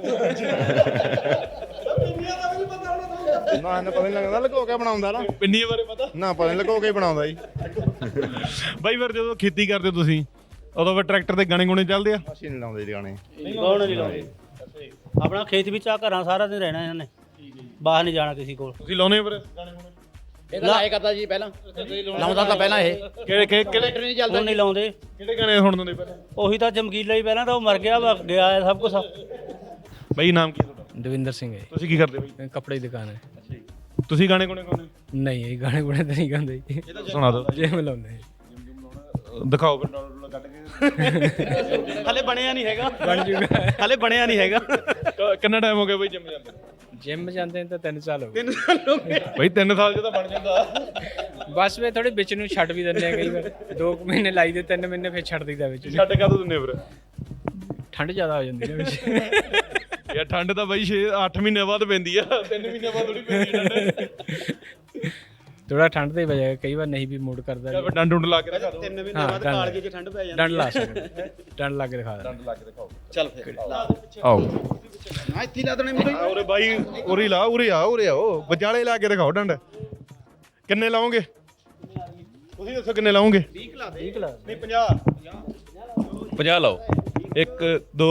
[SPEAKER 7] ਨਾ, ਇਹਨਾਂ ਪਤਾ ਨਹੀਂ ਲੱਗਦਾ ਲੁਕੋ ਕੇ ਬਣਾਉਂਦਾ ਨਾ।
[SPEAKER 2] ਪਿੰਨੀਆਂ ਬਾਰੇ ਪਤਾ?
[SPEAKER 7] ਨਾ ਪਤਾ ਨਹੀਂ ਲੁਕੋ ਕੇ ਬਣਾਉਂਦਾ ਜੀ।
[SPEAKER 2] ਬਾਈ ਫਿਰ ਜਦੋਂ ਖੇਤੀ ਕਰਦੇ ਹੋ ਤੁਸੀਂ ਉਦੋਂ ਫਿਰ ਟਰੈਕਟਰ ਤੇ ਗਾਣੇ ਗੁਣੇ ਚੱਲਦੇ ਆ?
[SPEAKER 7] ਅਸੀਂ ਨਹੀਂ ਲਾਉਂਦੇ ਜੀ ਗਾਣੇ।
[SPEAKER 4] ਕੌਣ ਨਹੀਂ ਲਾਉਂਦੇ। ਆਪਣਾ ਖੇਤ ਵਿੱਚ ਆ ਘਰਾਂ ਸਾਰਾ ਦਿਨ ਰਹਿਣਾ ਇਹਨਾਂ ਨੇ, ਬਾਹਰ ਨਹੀਂ ਜਾਣਾ ਕਿਸੇ ਕੋਲ।
[SPEAKER 2] ਤੁਸੀਂ ਲਾਉਨੇ ਹੋ ਫਿਰ ਗਾਣੇ ਗੁਣੇ?
[SPEAKER 3] ਇਹ ਤਾਂ ਲਾਏ ਕਰਦਾ ਜੀ ਪਹਿਲਾਂ, ਲਾਉਂਦਾ ਤਾਂ ਪਹਿਲਾਂ ਇਹ
[SPEAKER 2] ਕਿਹੜੇ ਕਿਹੜੇ ਕਿਹੜੇ
[SPEAKER 3] ਟਰੈਕਟਰ ਨਹੀਂ ਚੱਲਦਾ
[SPEAKER 4] ਹੁਣ ਨਹੀਂ ਲਾਉਂਦੇ।
[SPEAKER 2] ਕਿਹੜੇ ਗਾਣੇ ਸੁਣਦੇ ਹੁੰਦੇ ਪਹਿਲਾਂ?
[SPEAKER 4] ਉਹੀ ਤਾਂ ਚਮਕੀਲਾ ਹੀ, ਪਹਿਲਾਂ ਤਾਂ ਉਹ ਮਰ ਗਿਆ ਵਾ, ਗਿਆ ਹੈ ਸਭ ਕੁਝ।
[SPEAKER 2] ਬਾਈ ਨਾਮ ਕੀ ਹੈ ਤੁਹਾਡਾ?
[SPEAKER 8] ਦਵਿੰਦਰ ਸਿੰਘ ਹੈ
[SPEAKER 2] ਤੁਸੀਂ ਕੀ ਕਰਦੇ ਬਾਈ?
[SPEAKER 8] ਕੱਪੜੇ ਦੀ ਦੁਕਾਨ ਹੈ।
[SPEAKER 2] ਤੁਸੀਂ ਗਾਣੇ ਗੁਣੇ ਗਾਉਂਦੇ?
[SPEAKER 8] ਨਹੀਂ ਇਹ ਗਾਣੇ ਗੁਣੇ ਤਾਂ ਨਹੀਂ ਗਾਉਂਦੇ ਜੀ,
[SPEAKER 2] ਸੁਣਾ ਦਿਓ,
[SPEAKER 8] ਜਿਮ ਲਾਉਂਦੇ
[SPEAKER 2] ਦਿਖਾਓ ਫਿਰ ਡਾਊਨਲੋਡ ਕੱਢ ਕੇ।
[SPEAKER 1] ਹਲੇ ਬਣਿਆ ਨਹੀਂ ਹੈਗਾ,
[SPEAKER 8] ਬਣ ਜੂਗਾ।
[SPEAKER 1] ਹਲੇ ਬਣਿਆ ਨਹੀਂ ਹੈਗਾ।
[SPEAKER 2] ਕ- ਕਿੰਨਾ ਟਾਈਮ ਹੋ ਗਿਆ ਬਾਈ ਜਿੰਮ ਜਾਂਦੇ?
[SPEAKER 8] ਜਿਮ ਜਾਂਦੇ ਨੇ ਤਾਂ ਤਿੰਨ ਸਾਲ ਹੋ ਗਏ।
[SPEAKER 2] ਬਾਈ ਤਿੰਨ ਸਾਲ ਚ ਤਾਂ ਬਣ ਜਾਂਦਾ।
[SPEAKER 8] ਬਸ ਵੇ ਥੋੜੇ ਵਿੱਚ ਨੂੰ ਛੱਡ ਵੀ ਦਿੰਦੇ ਆ ਕਈ ਵਾਰ, ਦੋ ਕੁ ਮਹੀਨੇ ਲਾਈ ਦੇ, ਤਿੰਨ ਮਹੀਨੇ ਫਿਰ ਛੱਡ ਦਈਦਾ ਵਿੱਚ ਨੂੰ।
[SPEAKER 2] ਛੱਡ ਕਦੋਂ ਦਿੰਦੇ ਫਿਰ?
[SPEAKER 8] ਠੰਡ ਜ਼ਿਆਦਾ ਹੋ ਜਾਂਦੀ ਹੈ ਵਿੱਚ।
[SPEAKER 2] ਯਾਰ ਠੰਡ ਤਾਂ ਬਾਈ ਛੇ ਅੱਠ ਮਹੀਨੇ ਬਾਅਦ ਪੈਂਦੀ ਆ, ਤਿੰਨ ਮਹੀਨੇ ਬਾਅਦ ਥੋੜੀ ਪੈਂਦੀ ਠੰਡ।
[SPEAKER 8] ਥੋੜਾ ਠੰਡ ਦੇ ਵਜ੍ਹਾ ਕਈ ਵਾਰ ਨਹੀਂ ਵੀ ਮੂਡ ਕਰਦਾ
[SPEAKER 2] ਜਾਂ ਫਿਰ ਡੰਡ ਡੁੰਡ ਲਾ ਕੇ ਦਿਖਾ ਦਿਓ।
[SPEAKER 6] ਤਿੰਨ ਮਹੀਨੇ
[SPEAKER 8] ਹਾਂ,
[SPEAKER 6] ਬਾਅਦ
[SPEAKER 8] ਡੰਡ।
[SPEAKER 6] ਕਾਲਜੇ 'ਚ ਠੰਡ ਪੈ ਜਾਂਦੀ
[SPEAKER 8] ਡੰਡ ਲਾ ਸਕਦੇ ਡੰਡ ਲਾ ਕੇ ਦਿਖਾ ਦੇ
[SPEAKER 2] ਡੰਡ ਲਾ ਕੇ ਦਿਖਾਓ।
[SPEAKER 6] ਚੱਲ ਫਿਰ
[SPEAKER 2] ਆਓ
[SPEAKER 6] ਹਾਂ ਇੱਥੇ ਲਾ ਦੇਣੇ ਮੇਰੇ
[SPEAKER 2] ਆ ਉਰੇ ਬਾਈ ਉਰੇ ਲਾ ਉਰੇ ਆ ਉਰੇ ਆਓ ਵਿਚਾਲੇ ਲਾ ਕੇ ਦਿਖਾਓ ਡੰਡ ਕਿੰਨੇ ਲਾਓਗੇ ਤੁਸੀਂ ਦੱਸੋ ਕਿੰਨੇ ਲਾਓਗੇ
[SPEAKER 6] ਵੀਹ ਲਾ ਦੇ
[SPEAKER 2] ਨਹੀਂ ਪੰਜਾਹ ਪੰਜਾਹ ਲਾਓ ਇੱਕ ਦੋ